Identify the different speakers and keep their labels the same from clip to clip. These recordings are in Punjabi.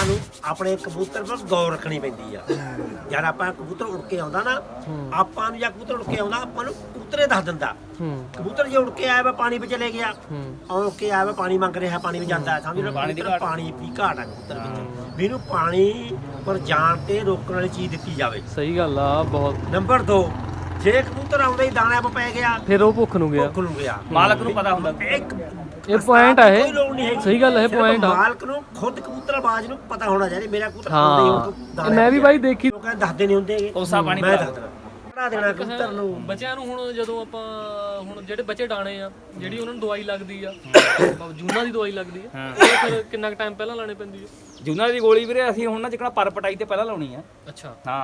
Speaker 1: ਆਪਾਂ ਨੂੰ ਆਪਣੇ ਕਬੂਤਰ ਪਰ ਗੌਰ ਰੱਖਣੀ ਪੈਂਦੀ ਆ। ਜਦ ਆਪਾਂ ਕਬੂਤਰ ਉੜ ਕੇ ਆਉਂਦਾ ਨਾ, ਆਪਾਂ ਨੂੰ ਜਾਂ ਕਬੂਤਰ ਉੜ ਕੇ ਆਉਂਦਾ ਆਪਾਂ ਨੂੰ ਕਬੂਤਰੇ ਦੱਸ ਦਿੰਦਾ। ਕਬੂਤਰ ਜੇ ਉੜ ਕੇ ਆਇਆ ਵਾ ਪਾਣੀ ਵਿੱਚ ਚਲੇ ਗਿਆ, ਆਉਂ ਕੇ ਆਇਆ ਵਾ ਪਾਣੀ ਮੰਗ ਰਿਹਾ, ਪਾਣੀ ਵਿੱਚ ਜਾਂਦਾ, ਸਮਝ ਲਓ ਪਾਣੀ ਦੀ ਘਾਟ ਆ ਕਬੂਤਰ ਵਿੱਚ। ਵੀ ਇਹਨੂੰ ਪਾਣੀ ਪਰ ਜਾਣ ਤੇ ਰੋਕਣ ਵਾਲੀ ਚੀਜ਼ ਦਿੱਤੀ ਜਾਵੇ।
Speaker 2: ਸਹੀ ਗੱਲ ਆ ਬਹੁਤ।
Speaker 1: ਨੰਬਰ 2, ਜੇ ਕਬੂਤਰ ਆਉਂਦਾ ਹੀ ਦਾਣਾ ਆਪ ਪੈ ਗਿਆ
Speaker 2: ਫਿਰ ਉਹ ਭੁੱਖ ਨੂੰ
Speaker 1: ਗਿਆ।
Speaker 3: ਮਾਲਕ ਨੂੰ ਪਤਾ ਹੁੰਦਾ।
Speaker 2: ਇਹ ਪੁਆਇੰਟ ਆ ਇਹ, ਸਹੀ ਗੱਲ ਹੈ, ਪੁਆਇੰਟ ਆ।
Speaker 1: ਮਾਲਕ ਨੂੰ ਖੁਦ ਕਬੂਤਰਬਾਜ਼ ਨੂੰ ਪਤਾ ਹੋਣਾ ਚਾਹੀਦਾ ਮੇਰਾ ਕਬੂਤਰ
Speaker 2: ਹਾਂ। ਮੈਂ ਵੀ ਬਾਈ ਦੇਖੀ,
Speaker 1: ਲੋਕਾਂ ਦੱਸਦੇ ਨਹੀਂ ਹੁੰਦੇ
Speaker 3: ਕੋਸਾ ਪਾਣੀ
Speaker 1: ਮੈਂ ਦੱਸਦਾ ਪੜਾ ਦੇਣਾ ਕਬੂਤਰ ਨੂੰ।
Speaker 2: ਬੱਚਿਆਂ ਨੂੰ ਹੁਣ ਜਦੋਂ ਆਪਾਂ ਹੁਣ ਜਿਹੜੇ ਬੱਚੇ ਡਾਣੇ ਆ, ਜਿਹੜੀ ਉਹਨਾਂ ਨੂੰ ਦਵਾਈ ਲੱਗਦੀ ਆ, ਜੂਨਾਂ ਦੀ ਦਵਾਈ ਲੱਗਦੀ ਆ, ਉਹ ਫਿਰ ਕਿੰਨਾ ਕੁ ਟਾਈਮ ਪਹਿਲਾਂ ਲਾਣੀ ਪੈਂਦੀ ਆ?
Speaker 3: ਜੂਨਾਂ ਦੀ ਗੋਲੀ ਵੀਰੇ ਅਸੀਂ ਹੁਣ ਨਾ ਜਿਕਣਾ ਪਰ ਪਟਾਈ ਤੇ ਪਹਿਲਾਂ ਲਾਉਣੀ ਆ।
Speaker 2: ਅੱਛਾ
Speaker 3: ਹਾਂ।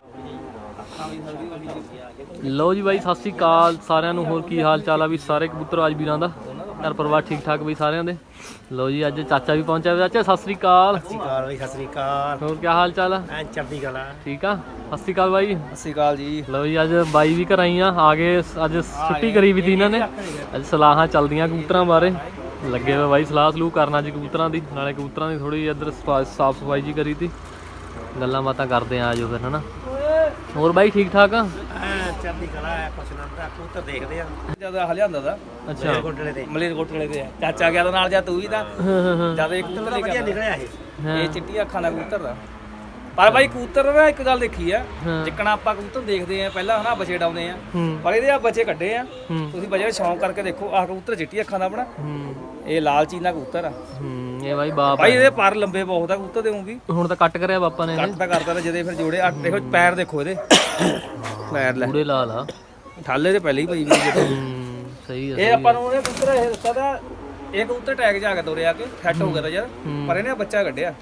Speaker 2: ਲਓ ਜੀ ਬਾਈ, ਸਤਿ ਸ੍ਰੀ ਅਕਾਲ ਸਾਰਿਆਂ ਨੂੰ। ਹੋਰ ਕੀ ਹਾਲ ਚਾਲ ਆ ਵੀ ਸਾਰੇ ਕਬੂਤਰਬਾਜ਼ ਵੀਰਾਂ ਦਾ? ਘਰ ਪਰਿਵਾਰ ਠੀਕ ਠਾਕ ਬਈ ਸਾਰਿਆਂ ਦੇ? ਲਓ ਜੀ ਅੱਜ ਚਾਚਾ ਵੀ ਪਹੁੰਚਿਆ। ਚਾਚਾ ਸਤਿ ਸ੍ਰੀ ਅਕਾਲ।
Speaker 1: ਸਤਿ ਸ਼੍ਰੀ ਅਕਾਲ ਬਈ, ਸਤਿ ਸ਼੍ਰੀ ਅਕਾਲ।
Speaker 2: ਹੋਰ ਕੀ ਹਾਲ ਚਾਲ ਆ?
Speaker 1: ਐ ਚੜ੍ਹਦੀ ਕਲਾ।
Speaker 2: ਠੀਕ ਆ। ਸਤਿ ਸ੍ਰੀ ਅਕਾਲ ਬਾਈ।
Speaker 3: ਸਤਿ ਸ਼੍ਰੀ ਅਕਾਲ ਜੀ।
Speaker 2: ਲਓ ਜੀ ਅੱਜ ਬਾਈ ਵੀ ਘਰ ਆਈਆਂ ਆ ਗਏ। ਅੱਜ ਛੁੱਟੀ ਕਰੀ ਵੀ ਤੀ ਇਹਨਾਂ ਨੇ। ਅੱਜ ਸਲਾਹਾਂ ਚੱਲਦੀਆਂ ਕਬੂਤਰਾਂ ਬਾਰੇ, ਲੱਗੇ ਹੋਏ ਬਾਈ ਸਲਾਹ ਸਲੂਹ ਕਰਨਾ ਜੀ ਕਬੂਤਰਾਂ ਦੀ। ਨਾਲੇ ਕਬੂਤਰਾਂ ਦੀ ਥੋੜੀ ਇੱਧਰ ਸਾਫ ਸਫਾਈ ਜੀ ਕਰੀ ਤੀ, ਗੱਲਾਂ ਬਾਤਾਂ ਕਰਦੇ ਆ ਆਜੋ ਫਿਰ ਹਨਾ। ਹੋਰ ਬਾਈ ਠੀਕ ਠਾਕ ਆ?
Speaker 1: ਚੜ੍ਹਦੀ ਕਲਾ ਐ ਪਸੰਦ ਆ ਕਬੂਤਰ ਦੇਖਦੇ ਆ
Speaker 3: ਜਿਆਦਾ ਹਲਿਆਂਦਾ ਦਾ।
Speaker 2: ਅੱਛਾ
Speaker 1: ਕੋਟਲੇ ਤੇ
Speaker 3: ਮਲੇਰਕੋਟਲੇ ਤੇ ਚਾਚਾ ਗਿਆ ਤਾਂ ਨਾਲ ਜਾ ਤੂੰ ਵੀ ਤਾਂ ਜਿਆਦਾ ਇੱਕ
Speaker 1: ਕਬੂਤਰ ਵਧੀਆ ਨਿਕਲਿਆ ਇਹ।
Speaker 3: ਇਹ ਚਿੱਟੀ ਅੱਖਾਂ ਦਾ ਕਬੂਤਰ ਦਾ। ਪਰ ਬਾਈ ਕਬੂਤਰ ਨਾ ਇੱਕ ਗੱਲ ਦੇਖੀ ਆ, ਜਿੱਕਣਾ ਆਪਾਂ ਕਬੂਤਰ ਦੇਖਦੇ ਆ ਪਹਿਲਾਂ ਹਨਾ ਬੱਚੇ ਡਾਉਂਦੇ ਆ, ਪਰ ਇਹਦੇ ਆ ਬੱਚੇ ਕੱਢੇ ਆ। ਤੁਸੀਂ ਬੱਚੇ ਸ਼ੌਂਕ ਕਰਕੇ ਦੇਖੋ, ਆਹ ਕਬੂਤਰ ਚਿੱਟੀ ਅੱਖਾਂ ਦਾ ਆਪਣਾ, ਇਹ ਲਾਲ ਚੀਨਾ ਕਬੂਤਰ ਆ।
Speaker 2: ਇਹ ਬਾਈ ਬਾਪ
Speaker 3: ਬਾਈ ਇਹਦੇ ਪਰ ਲੰਬੇ ਬਹੁਤ ਆ ਕਬੂਤਰ ਦੇ ਵੀ।
Speaker 2: ਹੁਣ ਤਾਂ ਕੱਟ ਕਰਿਆ ਬਾਪਾ ਨੇ।
Speaker 3: ਕੱਟ ਤਾਂ ਕਰਦਾ ਤਾਂ ਜਦੇ ਫਿਰ ਜੋੜੇ ਆ। ਦੇਖੋ ਪੈਰ ਦੇਖੋ ਇਹਦੇ, ਪੈਰ ਲੈ
Speaker 2: ਪੂਰੇ ਲਾਲ ਆ,
Speaker 3: ਠਾਲੇ ਤੇ ਪਹਿਲੇ ਹੀ ਪਈ ਵੀ।
Speaker 2: ਸਹੀ ਆ।
Speaker 3: ਇਹ ਆਪਾਂ ਨੂੰ ਉਹਨੇ ਕਬੂਤਰ ਇਹ ਦੱਸਿਆ ਤਾਂ ਇਹ ਕਬੂਤਰ ਟੈਗ ਜਾ ਕੇ ਤੋਰਿਆ ਕੇ ਸੈੱਟ ਹੋ ਗਿਆ ਤਾਂ ਯਾਰ, ਪਰ ਇਹਨੇ ਬੱਚਾ ਕੱਢਿਆ।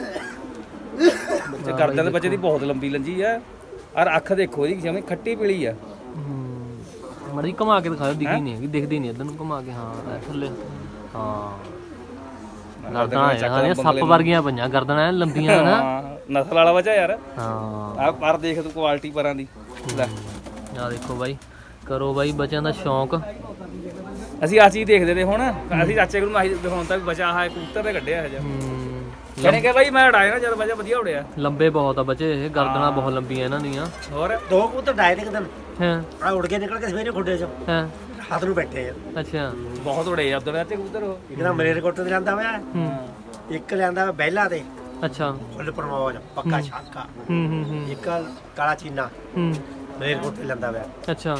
Speaker 3: ਬੱਚੇ ਕਰਦਿਆਂ ਦੇ ਬੱਚੇ ਦੀ ਬਹੁਤ ਲੰਬੀ ਲੰਜੀ ਆ। ਔਰ ਅੱਖ ਦੇਖੋ ਇਹਦੀ ਜਿਵੇਂ ਖੱਟੀ ਪੀਲੀ ਆ।
Speaker 2: ਮੜੀ ਘੁਮਾ ਕੇ ਦਿਖਾਓ, ਦਿਖੀ ਨਹੀਂ ਹੈਗੀ, ਦਿਖਦੀ ਨਹੀਂ ਇਧਰ ਨੂੰ ਘੁਮਾ ਕੇ। ਹਾਂ ਥੱਲੇ, ਹਾਂ ਗਰਦਨਾਂ ਸੱਪ ਵਰਗੀਆਂ ਪਈਆਂ, ਗਰਦਨਾਂ ਲੰਬੀਆਂ ਨਾ।
Speaker 3: ਨਸਲ ਵਾਲਾ ਬੱਚਾ ਯਾਰ।
Speaker 2: ਹਾਂ
Speaker 3: ਆ ਪਰ ਦੇਖ ਤੂੰ ਕੁਆਲਿਟੀ ਪਰਾਂ ਦੀ ਲੈ।
Speaker 2: ਆ ਦੇਖੋ ਬਾਈ, ਕਰੋ ਬਾਈ ਬੱਚਿਆਂ ਦਾ ਸ਼ੌਂਕ।
Speaker 3: ਅਸੀਂ ਆ ਚੀਜ਼ ਦੇਖਦੇ ਨੇ ਹੁਣ। ਅਸੀਂ ਚਾਚੇ ਕੋਲ ਆਹੀ ਦਿਖਾਉਣ ਤੱਕ ਬੱਚਾ ਆਹ ਕਬੂਤਰ ਤੇ ਕੱਢਿਆ ਹੈ ਕਹਿੰਦੇ ਕਿ ਬਾਈ ਮੈਂ ਉਡਾਇਆ ਨਾ ਜਦ ਬੱਚਾ ਵਧੀਆ ਉੜਿਆ।
Speaker 2: ਲੰਬੇ ਬਹੁਤ ਆ ਬੱਚੇ ਇਹ, ਗਰਦਨਾਂ ਬਹੁਤ ਲੰਬੀਆਂ ਇਹਨਾਂ ਦੀਆਂ।
Speaker 3: ਹੋਰ
Speaker 1: 2 ਕਬੂਤਰ ਡਾਏ ਤੇ ਇੱਕ ਦਿਨ
Speaker 2: ਹਾਂ
Speaker 1: ਆ ਉੜ ਕੇ ਨਿਕਲ ਕੇ ਸਵੇਰੇ ਖੁੱਡੇ ਚ
Speaker 2: ਹਾਂ
Speaker 1: ਰਾਤ ਨੂੰ ਬੈਠੇ ਆ।
Speaker 2: ਅੱਛਾ
Speaker 3: ਬਹੁਤ ਉੜੇ ਆ ਉਧਰ ਚਾਚੇ ਕਬੂਤਰ ਉਹ।
Speaker 1: ਇੱਕ ਤਾਂ ਮਲੇਰਕੋਟਲੇ ਤੇ ਲਿਆਂਦਾ ਹੋਇਆ, ਇੱਕ ਲਿਆਂਦਾ ਬਹਿਲਾ ਤੇ
Speaker 2: ਅੱਛਾ
Speaker 1: ਫੁੱਲ ਪਰਮੋਜ ਪੱਕਾ ਛਾਕਾ, ਇੱਕ ਕਾਲਾ ਚੀਨਾ ਮਲੇਰਕੋਟਲੇ ਲਿਆਂਦਾ ਹੋਇਆ।
Speaker 2: ਅੱਛਾ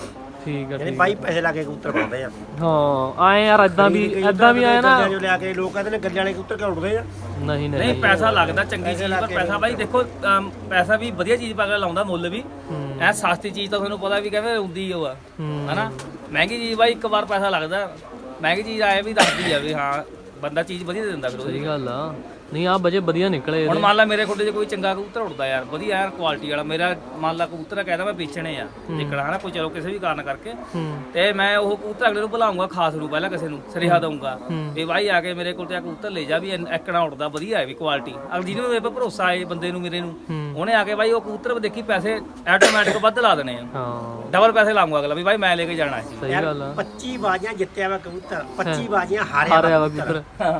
Speaker 2: ਠੀਕ ਆ।
Speaker 1: ਯਾਨੀ ਬਾਈ ਪੈਸੇ ਲਾ ਕੇ ਕਬੂਤਰ ਪਾਉਂਦੇ ਆ।
Speaker 2: ਹਾਂ ਆਏ ਯਾਰ, ਏਦਾਂ ਵੀ ਆਇਆ ਨਾ।
Speaker 1: ਜੋ ਲਿਆ ਕੇ ਲੋਕ ਕਹਿੰਦੇ ਨੇ ਗੱਲੇ ਵਾਲੇ ਕਬੂਤਰ ਕਿਉਂ ਉੜਦੇ ਆ?
Speaker 2: ਨਹੀਂ
Speaker 3: ਨਹੀਂ ਪੈਸਾ ਲੱਗਦਾ ਚੰਗੀ ਚੀਜ਼ ਪਰ ਪੈਸਾ ਬਾਈ ਦੇਖੋ ਪੈਸਾ ਵੀ ਵਧੀਆ ਚੀਜ਼ ਪਾ ਕੇ ਲਾਉਂਦਾ, ਮੁੱਲ ਵੀ। ਐ ਸਸਤੀ ਚੀਜ਼ ਤਾਂ ਤੁਹਾਨੂੰ ਪਤਾ ਵੀ ਕਹਿੰਦੇ ਹੁੰਦੀ ਉਹ ਆ ਹਨਾ। ਮਹਿੰਗੀ ਚੀਜ਼ ਬਾਈ ਇੱਕ ਵਾਰ ਪੈਸਾ ਲੱਗਦਾ, ਮਹਿੰਗੀ ਚੀਜ਼ ਆਏ ਵੀ ਦੱਸਦੀ ਆ ਵੀ ਹਾਂ ਬੰਦਾ ਚੀਜ਼ ਵਧੀਆ ਦੇ ਦਿੰਦਾ। ਫਿਰ
Speaker 2: ਸਹੀ ਗੱਲ ਆ। ਨਹੀਂ ਆ ਬੱਚੇ ਵਧੀਆ ਨਿਕਲੇ।
Speaker 3: ਹੁਣ ਮੰਨ ਲਾ ਮੇਰੇ ਖੁੱਡੇ 'ਚ ਕੋਈ ਚੰਗਾ ਕਬੂਤਰ ਉੜਦਾ ਯਾਰ, ਵਧੀਆ ਯਾਰ ਕੁਆਲਿਟੀ ਵਾਲਾ, ਮੇਰਾ ਮੰਨ ਲਾ ਕਬੂਤਰ ਕਹਿੰਦਾ ਮੈਂ ਵੇਚਣੇ ਆ ਨਿਕਣਾ ਹਨਾ, ਕੋਈ ਚਲੋ ਕਿਸੇ ਵੀ ਕਾਰਨ ਕਰਕੇ, ਤੇ ਮੈਂ ਉਹ ਕਬੂਤਰ ਅਗਲੇ ਨੂੰ ਬੁਲਾਉਂਗਾ ਖਾਸ ਨੂੰ, ਪਹਿਲਾਂ ਕਿਸੇ ਨੂੰ ਸੁਨੇਹਾ ਦਊਂਗਾ ਵੀ ਭਾਈ ਆ ਕੇ ਮੇਰੇ ਕੋਲ ਤੇ ਆ ਕਬੂਤਰ ਲੈ ਜਾ, ਵੀ ਐਕਣਾ ਉੜਦਾ ਵਧੀਆ ਹੈ ਵੀ ਕੁਆਲਿਟੀ। ਅਗਰ ਜਿਹਨੂੰ ਮੇਰੇ 'ਤੇ ਭਰੋਸਾ ਹੈ ਬੰਦੇ ਨੂੰ ਮੇਰੇ ਨੂੰ, ਉਹਨੇ ਆ ਕੇ ਬਾਈ ਉਹ ਕਬੂਤਰ ਦੇਖੀ ਪੈਸੇ ਆਟੋਮੈਟਿਕ ਵੱਧ ਲਾ ਦੇਣੇ ਆ।
Speaker 2: ਹਾਂ
Speaker 3: ਡਬਲ ਪੈਸੇ ਲਾਉਂਗਾ ਅਗਲਾ ਵੀ ਭਾਈ ਮੈਂ ਲੈ ਕੇ ਜਾਣਾ ਸੀ।
Speaker 2: ਸਹੀ ਗੱਲ ਆ।
Speaker 1: 25 ਬਾਜ਼ੀਆਂ ਜਿੱਤਿਆ ਵਾ ਕਬੂਤਰ, 25 ਬਾਜ਼ੀਆਂ ਹਾਰਿਆ ਵਾ ਕਬੂਤਰ,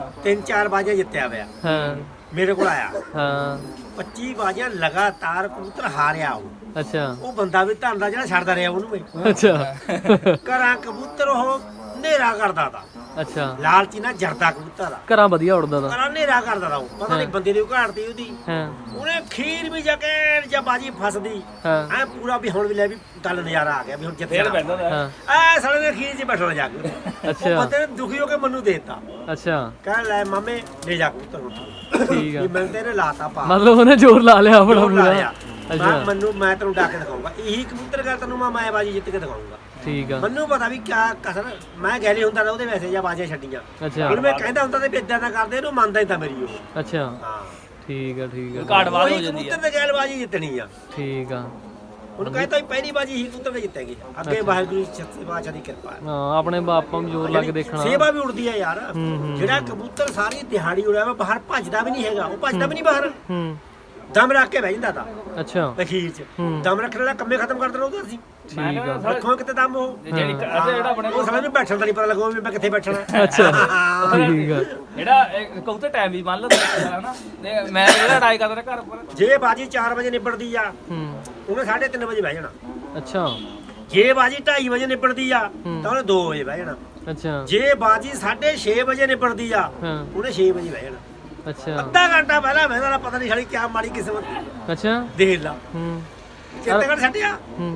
Speaker 1: 3-4 ਬਾਜ਼ੀਆਂ ਜਿੱਤਿਆ ਹੋਇਆ
Speaker 2: ਹਾਂ
Speaker 1: ਮੇਰੇ ਕੋਲ ਆਇਆ।
Speaker 2: ਹਾਂ
Speaker 1: 25 ਬਾਜ਼ੀਆਂ ਲਗਾਤਾਰ ਕਬੂਤਰ ਹਾਰਿਆ ਉਹ।
Speaker 2: ਅੱਛਾ
Speaker 1: ਉਹ ਬੰਦਾ ਵੀ ਧੰਨ ਦਾ ਜਿਹੜਾ ਛੱਡਦਾ ਰਿਹਾ ਉਹਨੂੰ ਮੈਂ।
Speaker 2: ਅੱਛਾ
Speaker 1: ਘਰਾਂ ਕਬੂਤਰ ਉਹ ਹਨੇਰਾ ਕਰਦਾ ਤਾ।
Speaker 2: ਅੱਛਾ
Speaker 1: ਲਾਲਚੀ ਨਾਲ ਜਰਦਾ ਕਬੂਤਰ ਆ,
Speaker 2: ਘਰਾਂ ਵਧੀਆ ਉੜਦਾ ਦਾ।
Speaker 1: ਘਰਾਂ ਹਨੇਰਾ ਕਰਦਾ ਤਾ ਉਹ। ਪਤਾ ਨਹੀਂ ਬੰਦੇ ਦੀ ਘਾੜਤੀ ਉਹਦੀ।
Speaker 2: ਹਾਂ
Speaker 1: ਉਹਨੇ ਖੀਰ ਵੀ ਜਾ ਕੇ ਜਾਂ ਬਾਜੀ ਫਸਦੀ
Speaker 2: ਹਾਂ
Speaker 1: ਐ ਪੂਰਾ ਵੀ ਹੁਣ ਵੀ ਲੈ ਵੀ ਗੱਲ ਨਜ਼ਾਰਾ ਆ ਗਿਆ ਵੀ ਹੁਣ ਜਿੱਥੇ
Speaker 3: ਫੇਰ ਪੈਂਦਾ
Speaker 2: ਹਾਂ
Speaker 1: ਐ ਸਾਲੇ ਨੇ ਖੀਰ 'ਚ ਬੈਠਣਾ ਜਾ ਕੇ।
Speaker 2: ਅੱਛਾ।
Speaker 1: ਉਹ ਬੰਦੇ ਨੇ ਦੁਖੀ ਹੋ ਕੇ ਮੈਨੂੰ ਦੇਤਾ,
Speaker 2: ਅੱਛਾ
Speaker 1: ਕਹਿ ਲੈ ਮਾਮੇ ਲੈ ਜਾ ਕਬੂਤਰ ਨੂੰ।
Speaker 2: ਠੀਕ ਆ।
Speaker 1: ਵੀ ਮੈਂ ਤੇਰੇ ਲਾਤਾ ਪਾ
Speaker 2: ਮਤਲਬ ਉਹਨੇ ਜ਼ੋਰ ਲਾ ਲਿਆ ਆਪਣਾ
Speaker 1: ਜ਼ੋਰ
Speaker 2: ਪੂਰਾ।
Speaker 1: ਲਾਇਆ।
Speaker 2: ਅੱਛਾ
Speaker 1: ਮੈਂ ਤੈਨੂੰ ਡਾਕ ਕੇ ਦਿਖਾਉਂਗਾ, ਇਹੀ ਕਬੂਤਰ ਗੱਲ ਤੈਨੂੰ ਮੈਂ ਬਾਜੀ ਜਿੱਤ ਕੇ ਦਿਖਾਉਂਗਾ।
Speaker 2: ਠੀਕ ਆ।
Speaker 1: ਮੈਨੂੰ ਪਤਾ ਵੀ ਕਿਆ ਕਸਰ ਮੈਂ ਗੈਲੇ ਹੁੰਦਾ ਨਾ ਉਹਦੇ ਵੈਸੇ ਜਾਂ ਬਾਜੀਆਂ ਛੱਡੀਆਂ।
Speaker 2: ਅੱਛਾ
Speaker 1: ਹੁਣ ਮੈਂ ਕਹਿੰਦਾ ਹੁੰਦਾ ਤੇ ਵੀ ਇਦਾਂ ਨਾ ਕਰਦੇ, ਇਹਨੂੰ ਮੰਨਦਾ ਹੀ ਤਾਂ ਮੇਰੀ ਉਹ।
Speaker 2: ਅੱਛਾ
Speaker 1: ਹਾਂ
Speaker 2: ਠੀਕ ਆ ਠੀਕ ਆ
Speaker 3: ਘਾਟਵਾਦ ਹੋ
Speaker 1: ਉਹੀ
Speaker 3: ਜਾਂਦੀ
Speaker 1: ਕਬੂਤਰ ਤੇ ਗੈਲ ਬਾਜੀ ਜਿੱਤਣੀ ਆ।
Speaker 2: ਠੀਕ ਆ।
Speaker 1: ਉਹਨੂੰ ਕਹਿੰਦਾ ਪਹਿਲੀ ਬਾਜੀ ਹੀ ਕਬੂਤਰ ਤੇ ਜਿੱਤੇਗੀ, ਅੱਗੇ ਵਾਹਿਗੁਰੂ ਸੱਚੇ ਬਾਦਸ਼ਾਹ ਦੀ ਕਿਰਪਾ ਹੈ।
Speaker 2: ਹਾਂ ਆਪਣੇ ਬਾਪਾਂ ਨੂੰ ਜ਼ੋਰ ਲਾ ਕੇ ਦੇਖਣਾ।
Speaker 1: ਸੇਵਾ ਵੀ ਉੜਦੀ ਹੈ ਯਾਰ। ਜਿਹੜਾ ਕਬੂਤਰ ਸਾਰੀ ਦਿਹਾੜੀ ਉੜਿਆ ਵਾ ਬਾਹਰ ਭੱਜਦਾ ਵੀ ਨਹੀਂ ਹੈਗਾ, ਉਹ ਭੱਜਦਾ ਵੀ ਨਹੀਂ ਬਾਹਰ। ਦਮ ਰੱਖ ਕੇ ਬਹਿ ਜਾਂਦਾ ਤਾਂ
Speaker 2: ਅੱਛਾ
Speaker 1: ਅਖੀਰ ਚ ਦਮ ਰੱਖਣ ਵਾਲਾ ਕੰਮੇ ਖਤਮ ਕਰ ਦੇਣਾ ਉਹਦਾ ਅਸੀਂ
Speaker 2: ਠੀਕ ਆ
Speaker 1: ਰੱਖੋ ਕਿਤੇ ਦਮ ਉਹ
Speaker 3: ਜਿਹੜੀ ਜਿਹੜਾ ਆਪਣੇ
Speaker 1: ਉਹ ਸਾਲੇ ਨੂੰ ਬੈਠਣ ਦਾ ਨਹੀਂ ਪਤਾ ਲੱਗੋ ਵੀ ਮੈਂ ਕਿੱਥੇ ਬੈਠਣਾ
Speaker 2: ਅੱਛਾ ਠੀਕ ਆ
Speaker 3: ਜਿਹੜਾ ਕਬੂਤਰ ਟਾਈਮ ਵੀ ਮੰਨ ਲਓ ਹਨਾ ਤੇ ਮੈਂ ਜਿਹੜਾ ਟਰਾਈ ਕਰਦਾ ਘਰ ਉੱਪਰ
Speaker 1: ਜੇ ਬਾਜੀ 4 ਵਜੇ ਨਿਬੜਦੀ ਆ ਉਹਨੇ 3:30 ਵਜੇ ਬਹਿ ਜਾਣਾ
Speaker 2: ਅੱਛਾ
Speaker 1: ਜੇ ਬਾਜੀ 2:30 ਵਜੇ ਨਿਬੜਦੀ ਆ ਤਾਂ ਉਹਨੇ 2 ਵਜੇ ਬਹਿ ਜਾਣਾ
Speaker 2: ਅੱਛਾ
Speaker 1: ਜੇ ਬਾਜੀ 6:30 ਵਜੇ ਨਿਬੜਦੀ ਆ
Speaker 2: ਹਾਂ
Speaker 1: ਉਹਨੇ 6 ਵਜੇ ਬਹਿ ਜਾਣਾ
Speaker 2: ਅੱਛਾ
Speaker 1: ਅੱਧਾ ਘੰਟਾ ਪਹਿਲਾਂ ਬਹਿਣਾ ਵਾਲਾ ਪਤਾ ਨਹੀਂ ਸਾਲੀ ਕਿਆ ਮਾੜੀ ਕਿਸਮਤ
Speaker 2: ਅੱਛਾ
Speaker 1: ਦੇਖ ਲਾ ਚੇਤੇ ਕਰ ਛੱਡਿਆ
Speaker 2: ਹੂੰ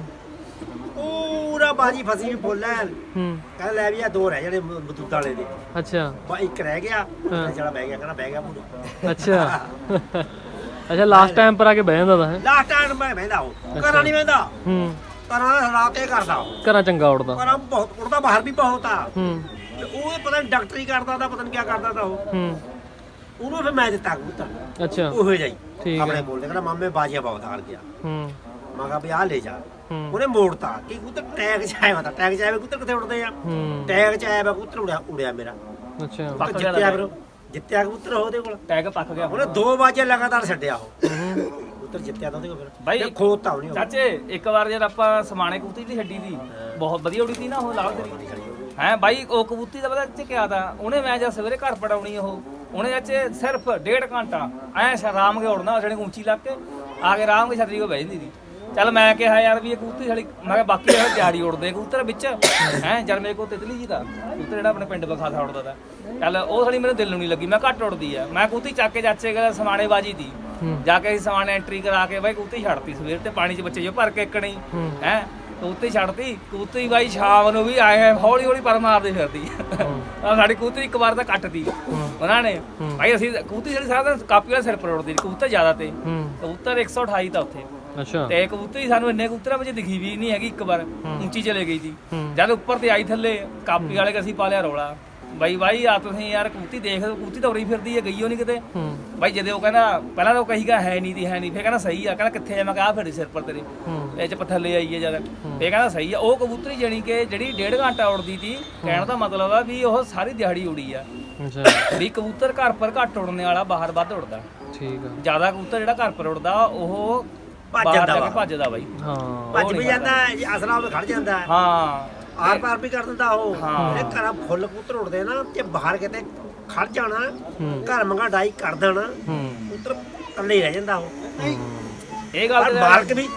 Speaker 1: ਪੂਰਾ ਬਾਜੀ ਫਸੀ ਵੀ ਫੁੱਲ ਐ ਕਹਿੰਦਾ ਲੈ ਵੀ ਆ 2 ਰਹਿ ਜਾਣੇ ਬਤੂਤ ਵਾਲੇ ਦੇ
Speaker 2: ਅੱਛਾ
Speaker 1: ਬਾ ਇੱਕ ਰਹਿ ਗਿਆ ਜਿਹੜਾ ਬਹਿ ਗਿਆ ਕਹਿੰਦਾ ਬਹਿ ਗਿਆ ਪੂਰਾ
Speaker 2: ਅੱਛਾ ਅੱਛਾ ਲਾਸਟ ਟਾਈਮ ਪਰ ਆ ਕੇ ਬਹਿ ਜਾਂਦਾ ਤਾਂ ਹੈ
Speaker 1: ਲਾਸਟ ਟਾਈਮ ਮੈਂ ਬਹਿੰਦਾ ਉਹ ਘਰਾਂ ਨਹੀਂ ਬਹਿੰਦਾ ਘਰਾਂ ਦਾ ਰਾਤੇ ਕਰਦਾ
Speaker 2: ਘਰਾਂ ਚੰਗਾ ਉੜਦਾ
Speaker 1: ਘਰਾਂ ਬਹੁਤ ਉੜਦਾ ਬਾਹਰ ਵੀ ਬਹੁਤ ਆ
Speaker 2: ਹੂੰ
Speaker 1: ਤੇ ਉਹ ਪਤਾ ਨਹੀਂ ਡਾਕਟਰੀ ਕਰਦਾ ਤਾਂ ਪਤਾ ਨਹੀਂ ਕੀ ਕਰਦਾ ਤਾਂ ਉਹ ਉਹਨੂੰ ਫਿਰ ਮੈਂ ਦਿੱਤਾ ਕਬੂਤਰ
Speaker 2: ਅੱਛਾ
Speaker 1: ਉਹੋ ਜਾਈ
Speaker 2: ਠੀਕ
Speaker 1: ਆਪਣੇ ਕੋਲ ਕਹਿੰਦਾ ਮਾਮੇ ਬਾਜੀਆਂ ਬਹੁਤ ਹਾਰ ਗਿਆ
Speaker 2: ਹੂੰ
Speaker 1: ਮੈਂ ਕਿਹਾ ਵੀ ਆਹ ਲੈ ਜਾ ਉਹਨੇ ਮੋੜਤਾ ਕਿ ਕਬੂਤਰ ਟੈਗ ਚ ਆਇਆ ਤਾਂ ਟੈਗ ਚ ਆਇਆ ਕਬੂਤਰ ਕਿੱਥੇ ਉੜਦੇ ਆ ਟੈਗ ਚ ਆਇਆ ਕਬੂਤਰ ਉੜਿਆ ਮੇਰਾ
Speaker 2: ਅੱਛਾ
Speaker 1: ਜਿੱਤਿਆ ਫਿਰ ਜਿੱਤਿਆ ਕਬੂਤਰ ਉਹਦੇ ਕੋਲ
Speaker 3: ਟੈਗ ਪੱਕ ਗਿਆ
Speaker 1: ਉਹਨੇ 2 ਬਾਜੀਆਂ ਲਗਾਤਾਰ ਛੱਡਿਆ ਉਹ ਕਬੂਤਰ ਜਿੱਤਿਆ ਤਾਂ ਉਹਦੇ ਕੋਲ ਫਿਰ
Speaker 3: ਬਾਈ
Speaker 1: ਖੋਤਾ ਉਹਨੇ
Speaker 3: ਚਾਚੇ ਇੱਕ ਵਾਰ ਜਦ ਆਪਾਂ ਸਮਾਣੇ ਕਬੂਤਰੀ ਦੀ ਛੱਡੀ ਸੀ ਬਹੁਤ ਵਧੀਆ ਉੜੀ ਸੀ ਨਾ ਉਹ ਲਾਲ ਤੇਰੀ ਹੈ ਬਾਈ ਉਹ ਕਬੂਤਰੀ ਦਾ ਪਤਾ ਚ ਕਿਹਾ ਤਾਂ ਉਹਨੇ ਮੈਂ ਜਦ ਸਵੇਰੇ ਘਰ ਪੜਾਉਣੀ ਉਹ ਉਹਨੇ ਚਾਚੇ ਸਿਰਫ 1.5 ਘੰਟਾ ਐ ਸ਼ਰਾਮ ਕੇ ਉੜਨਾ ਜਿਹੜੀ ਉੱਚੀ ਲੱਗ ਕੇ ਆ ਕੇ ਆਰਾਮ ਕੇ ਛਤਰੀ ਕੋ ਬਹਿ ਜਾਂਦੀ ਸੀ ਚੱਲ ਮੈਂ ਕਿਹਾ ਯਾਰ ਵੀ ਇਹ ਕਬੂਤਰੀ ਸਾਲੀ ਮੈਂ ਕਿਹਾ ਬਾਕੀ ਜਿਹੜੇ ਦਿਹਾੜੀ ਉੜਦੇ ਕਬੂਤਰ ਵਿੱਚ ਹੈ ਜਦ ਮੇਰੇ ਕੋਲ ਤਿਤਲੀ ਜੀ ਦਾ ਕਬੂਤਰ ਜਿਹੜਾ ਆਪਣੇ ਪਿੰਡ ਬਖਾਸਾ ਉੜਦਾ ਤਾ ਚੱਲ ਉਹ ਸਾਲੀ ਮੈਨੂੰ ਦਿਲ ਨੂੰ ਨਹੀਂ ਲੱਗੀ ਮੈਂ ਘੱਟ ਉੜਦੀ ਆ ਮੈਂ ਕਬੂਤਰੀ ਚੱਕ ਕੇ ਚਾਚੇ ਕੋਲ ਸਮਾਣੇ ਬਾਜੀ ਦੀ ਜਾ ਕੇ ਅਸੀਂ ਸਮਾਣੇ ਐਂਟਰੀ ਕਰਾ ਕੇ ਬਾਈ ਕਬੂਤਰੀ ਛੱਡਤੀ ਸਵੇਰ ਤੇ ਪਾਣੀ 'ਚ ਬੱਚੇ ਜੋ ਭਰ ਕੇ ਇੱਕਣੀ ਹੈ ਕਬੂਤਰੀ ਛੱਡਤੀ ਕਬੂਤਰੀ ਬਾਈ ਸ਼ਾਮ ਨੂੰ ਵੀ ਆਏ ਹੌਲੀ ਹੌਲੀ ਪਰ ਮਾਰਦੀ ਫਿਰਦੀ ਆ ਸਾਡੀ ਕਬੂਤਰੀ ਇੱਕ ਵਾਰ ਤਾਂ ਕੱਟਦੀ ਉਹਨਾਂ ਨੇ ਭਾਈ ਅਸੀਂ ਕਬੂਤਰੀ ਜਿਹੜੀ ਸਾਰਾ ਦਿਨ ਕਾਪੀ ਵਾਲੇ ਸਿਰ ਪਰ ਉੜਦੀ ਕਬੂਤਰ ਜ਼ਿਆਦਾ ਤੇ ਕਬੂਤਰ 128 ਤਾਂ ਉੱਥੇ
Speaker 2: ਅੱਛਾ
Speaker 3: ਤੇ ਕਬੂਤਰੀ ਸਾਨੂੰ ਇੰਨੇ ਕਬੂਤਰਾਂ ਵਿੱਚ ਦਿਖੀ ਵੀ ਨਹੀਂ ਹੈਗੀ ਇੱਕ ਵਾਰ ਉੱਚੀ ਚਲੇ ਗਈ ਸੀ ਜਦ ਉੱਪਰ ਤੇ ਆਈ ਥੱਲੇ ਕਾਪੀ ਵਾਲੇ ਕਿ ਅਸੀਂ ਪਾ ਲਿਆ ਰੌਲਾ ਬਾਈ ਆ ਤੁਸੀਂ ਯਾਰ ਕਬੂਤਰੀ ਦੇਖ ਕਬੂਤਰੀ ਤਾਂ ਉਰੀ ਫਿਰਦੀ ਹੈ ਗਈ ਉਹ ਨਹੀਂ ਕਿਤੇ ਬਾਈ ਜਦੇ ਉਹ ਕਹਿੰਦਾ ਪਹਿਲਾਂ ਤਾਂ ਉਹ ਕਹੀਗਾ ਹੈ ਨਹੀਂ ਫਿਰ ਕਹਿੰਦਾ ਸਹੀ ਆ ਕਹਿੰਦਾ ਕਿੱਥੇ ਆ ਮੈਂ ਕਿਹਾ ਫਿਰ ਸਿਰ ਪਰ ਤੇਰੇ ਇਹ ਚ ਥੱਲੇ ਆਈ ਹੈ ਜਦ ਇਹ ਕਹਿੰਦਾ ਸਹੀ ਆ ਉਹ ਕਬੂਤਰੀ ਜਾਣੀ ਕਿ ਜਿਹੜੀ 1.5 ਘੰਟਾ ਉੜਦੀ ਸੀ ਕਹਿਣ ਦਾ ਮਤਲਬ ਆ ਵੀ ਉਹ ਸਾਰੀ ਦਿਹਾੜੀ ਉੜੀ ਆ
Speaker 2: ਅੱਛਾ
Speaker 3: ਵੀ ਕਬੂਤਰ ਘਰ ਪਰ ਘੱਟ ਉੜਨੇ ਵਾਲਾ ਬਾਹਰ ਵੱਧ ਉੜਦਾ
Speaker 2: ਠੀਕ ਆ
Speaker 3: ਜ਼ਿਆਦਾ ਕਬੂਤਰ ਜਿਹੜਾ ਘਰ ਪਰ ਉੜਦਾ ਉਹ ਭੱਜਦਾ ਬਾਈ
Speaker 2: ਹਾਂ
Speaker 1: ਭੱਜ ਵੀ ਜਾਂਦਾ ਅਸਲਾ ਉਹ ਖੜ ਜਾਂਦਾ
Speaker 3: ਹਾਂ
Speaker 1: ਆਰ ਪਾਰ ਵੀ ਕਰ ਦਿੰਦਾ ਉਹ ਇਹ ਘਰਾਂ ਫੁੱਲ ਕਬੂਤਰ ਉੜਦੇ ਨਾ ਤੇ ਬਾਹਰ ਕਿਤੇ ਖੜ ਜਾਣਾ ਘਰ ਮੰਗਾ ਡਾਈ ਕਰ ਦੇਣਾ ਕਬੂਤਰ ਇਕੱਲੇ ਹੀ ਰਹਿ ਜਾਂਦਾ ਉਹ
Speaker 3: ਇਹ ਗੱਲ ਤੇ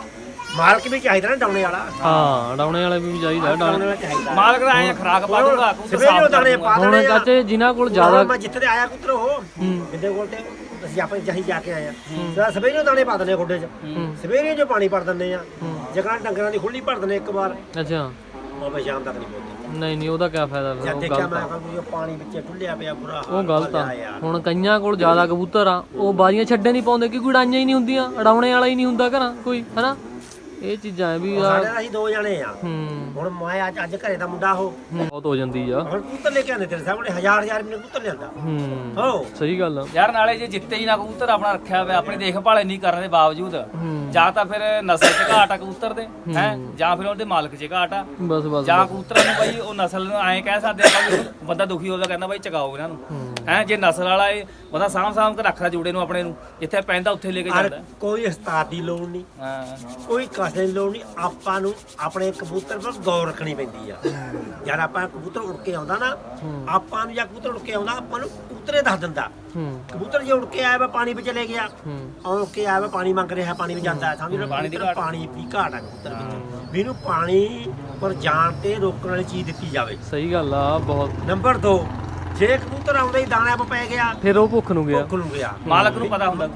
Speaker 1: ਮਾਲਕ ਵੀ ਚਾਹੀਦਾ ਨਾ ਡਾਉਣੇ ਵਾਲਾ
Speaker 2: ਹਾਂ ਡਾਉਣੇ ਵਾਲੇ ਵੀ ਚਾਹੀਦਾ
Speaker 1: ਡਾਉਣੇ ਵਾਲਾ ਚਾਹੀਦਾ
Speaker 3: ਮਾਲਕ ਦਾ ਐ ਖਰਾਕ ਪਾ ਦੂੰਗਾ
Speaker 1: ਸਵੇਰੇ ਦਾਣੇ ਪਾ
Speaker 2: ਹੁਣ
Speaker 1: ਦੇਣੇ ਆ
Speaker 2: ਚਾਚੇ ਜਿਨ੍ਹਾਂ ਕੋਲ ਜ਼ਿਆਦਾ
Speaker 1: ਮੈਂ ਜਿੱਥੇ ਤੇ ਆਇਆ ਕਬੂਤਰ ਉਹ ਇਹਦੇ ਕੋਲ ਤੇ ਅਸੀਂ ਆਪਾਂ ਜਹੀ ਜਾ ਕੇ ਆਏ ਆ ਸਵੇਰੇ ਦਾਣੇ ਪਾ ਦਿੰਦੇ ਖੁੱਡੇ 'ਚ ਸਵੇਰੇ ਜੋ ਪਾਣੀ ਭਰ ਦਿੰਦੇ ਆ ਜਗ੍ਹਾ ਡੰਗਰਾਂ ਦੀ ਖੁੱਲੀ ਭਰ ਦਿੰਦੇ ਇੱਕ ਵਾਰ
Speaker 2: ਅੱਛਾ
Speaker 1: ਉਹ ਸ਼ਾਮ ਤੱਕ ਨਹੀਂ ਪਹੁੰਚਦੇ
Speaker 2: ਨਹੀਂ ਉਹਦਾ ਕੀ ਫਾਇਦਾ ਫਿਰ
Speaker 1: ਜਦ
Speaker 2: ਉਹ
Speaker 1: ਦੇਖਿਆ
Speaker 2: ਗਲਤ
Speaker 1: ਮੈਂ
Speaker 2: ਆ
Speaker 1: ਕਿਹਾ ਉਹ ਪਾਣੀ ਵਿੱਚ ਡੁੱਲਿਆ ਪਿਆ ਬੁਰਾ ਹਾਲ
Speaker 2: ਉਹ ਗਲਤ ਆ
Speaker 1: ਯਾਰ
Speaker 2: ਹੁਣ ਕਈਆਂ ਕੋਲ ਜ਼ਿਆਦਾ ਕਬੂਤਰ ਆ ਉਹ ਬਾਜ਼ੀਆਂ ਛੱਡੇ ਨਹੀਂ ਪਾਉਂਦੇ ਕਿਉਂਕਿ ਉਡਾਈਆਂ ਹੀ ਨਹੀਂ ਹੁੰਦੀਆਂ ਉਡਾਉਣੇ ਵਾਲਾ ਹੀ ਨਹੀਂ ਹੁੰਦਾ ਘਰਾਂ ਕੋਈ ਹਨਾ ਇਹ ਚੀਜ਼ਾਂ ਆ ਵੀ
Speaker 1: ਸਾਡੇ ਨਾਲ ਅਸੀਂ 2 ਜਣੇ ਆ
Speaker 2: ਹੂੰ
Speaker 1: ਹੁਣ ਮੈਂ ਅੱਜ ਘਰੇ ਦਾ ਮੁੰਡਾ ਉਹ
Speaker 2: ਬਹੁਤ ਹੋ ਜਾਂਦੀ ਆ
Speaker 1: ਹੁਣ ਕਬੂਤਰ ਲੈ ਕੇ ਆਉਂਦੇ ਤੇਰੇ ਸਾਹਮਣੇ ਹਜ਼ਾਰ ਰੁਪਏ ਕਬੂਤਰ ਲਿਆਂਦਾ
Speaker 2: ਹੂੰ
Speaker 1: ਹੋ
Speaker 2: ਸਹੀ ਗੱਲ ਆ
Speaker 3: ਯਾਰ ਨਾਲੇ ਜੇ ਜਿੱਤੇ ਹੀ ਨਾ ਕਬੂਤਰ ਆਪਣਾ ਰੱਖਿਆ ਹੋਇਆ ਆਪਣੀ ਦੇਖਭਾਲ ਇੰਨੀ ਕਰਨ ਦੇ ਬਾਵਜੂਦ ਜਾਂ ਤਾਂ ਫਿਰ ਨਸਲ 'ਚ ਘਾਟ ਆ ਕਬੂਤਰ ਦੇ ਹੈ ਜਾਂ ਫਿਰ ਉਹਦੇ ਮਾਲਕ 'ਚ ਘਾਟ ਆ
Speaker 2: ਬਸ ਬਸ
Speaker 3: ਜਾਂ ਕਬੂਤਰਾਂ ਨੂੰ ਬਾਈ ਉਹ ਨਸਲ ਨੂੰ ਐਂ ਕਹਿ ਸਕਦੇ ਆਪਾਂ ਵੀ ਬੰਦਾ ਦੁਖੀ ਹੋਦਾ ਕਹਿੰਦਾ ਬਾਈ ਚਗਾਓ ਇਹਨਾਂ ਨੂੰ ਹੈ ਜੇ ਨਸਲ ਵਾਲਾ ਇਹ ਬੰਦਾ ਸਾਂਭ ਕੇ ਰੱਖਦਾ ਜੋੜੇ ਨੂੰ ਆਪਣੇ ਨੂੰ ਜਿੱਥੇ ਪੈਂਦਾ ਉੱਥੇ ਲੈ ਕੇ ਜਾਂਦਾ
Speaker 1: ਕੋਈ ਉਸਤਾਦ ਦੀ ਲੋੜ ਨਹੀਂ
Speaker 3: ਹਾਂ
Speaker 1: ਕੋਈ ਕਸੇ ਦੀ ਲੋੜ ਨਹੀਂ ਆਪਾਂ ਨੂੰ ਆਪਣੇ ਕਬੂਤਰ ਪਰ ਗੌਰ ਰੱਖਣੀ ਪੈਂਦੀ ਆ ਯਾਰ ਆਪਾਂ ਕਬੂਤਰ ਉੜ ਕੇ ਆਉਂਦਾ ਨਾ ਆਪਾਂ ਨੂੰ ਜਾਂ ਕਬੂਤਰ ਉੜ ਕੇ ਆਉਂਦਾ ਆਪਾਂ ਨੂੰ ਕਬੂਤਰੇ ਦੱਸ ਦਿੰਦਾ ਕਬੂਤਰ ਜੇ ਉੜ ਕੇ ਆਇਆ ਵਾ ਪਾਣੀ ਵਿੱਚ ਚਲੇ ਗਿਆ ਉੜ ਕੇ ਆਇਆ ਵਾ ਪਾਣੀ ਮੰਗ ਰਿਹਾ ਪਾਣੀ ਵਿੱਚ ਜਾਂਦਾ ਸਮਝ ਲਓ ਪਾਣੀ ਦੀ ਘਾਟ ਆ ਕਬੂਤਰ ਵਿੱਚ ਵੀ ਇਹਨੂੰ ਪਾਣੀ ਪਰ ਜਾਣ ਤੇ ਰੋਕਣ ਵਾਲੀ ਚੀਜ਼ ਦਿੱਤੀ ਜਾਵੇ
Speaker 2: ਸਹੀ ਗੱਲ ਆ ਬਹੁਤ
Speaker 1: ਨੰਬਰ 2 ਜੇ ਕਬੂਤਰ ਆਉਂਦਾ ਹੀ ਦਾਣੇ ਆਪ ਪੈ ਗਿਆ
Speaker 2: ਫਿਰ ਉਹ ਭੁੱਖ ਨੂੰ ਗਿਆ
Speaker 1: ਭੁੱਖ ਨੂੰ ਗਿਆ
Speaker 3: ਮਾਲਕ ਨੂੰ ਪਤਾ ਹੁੰਦਾ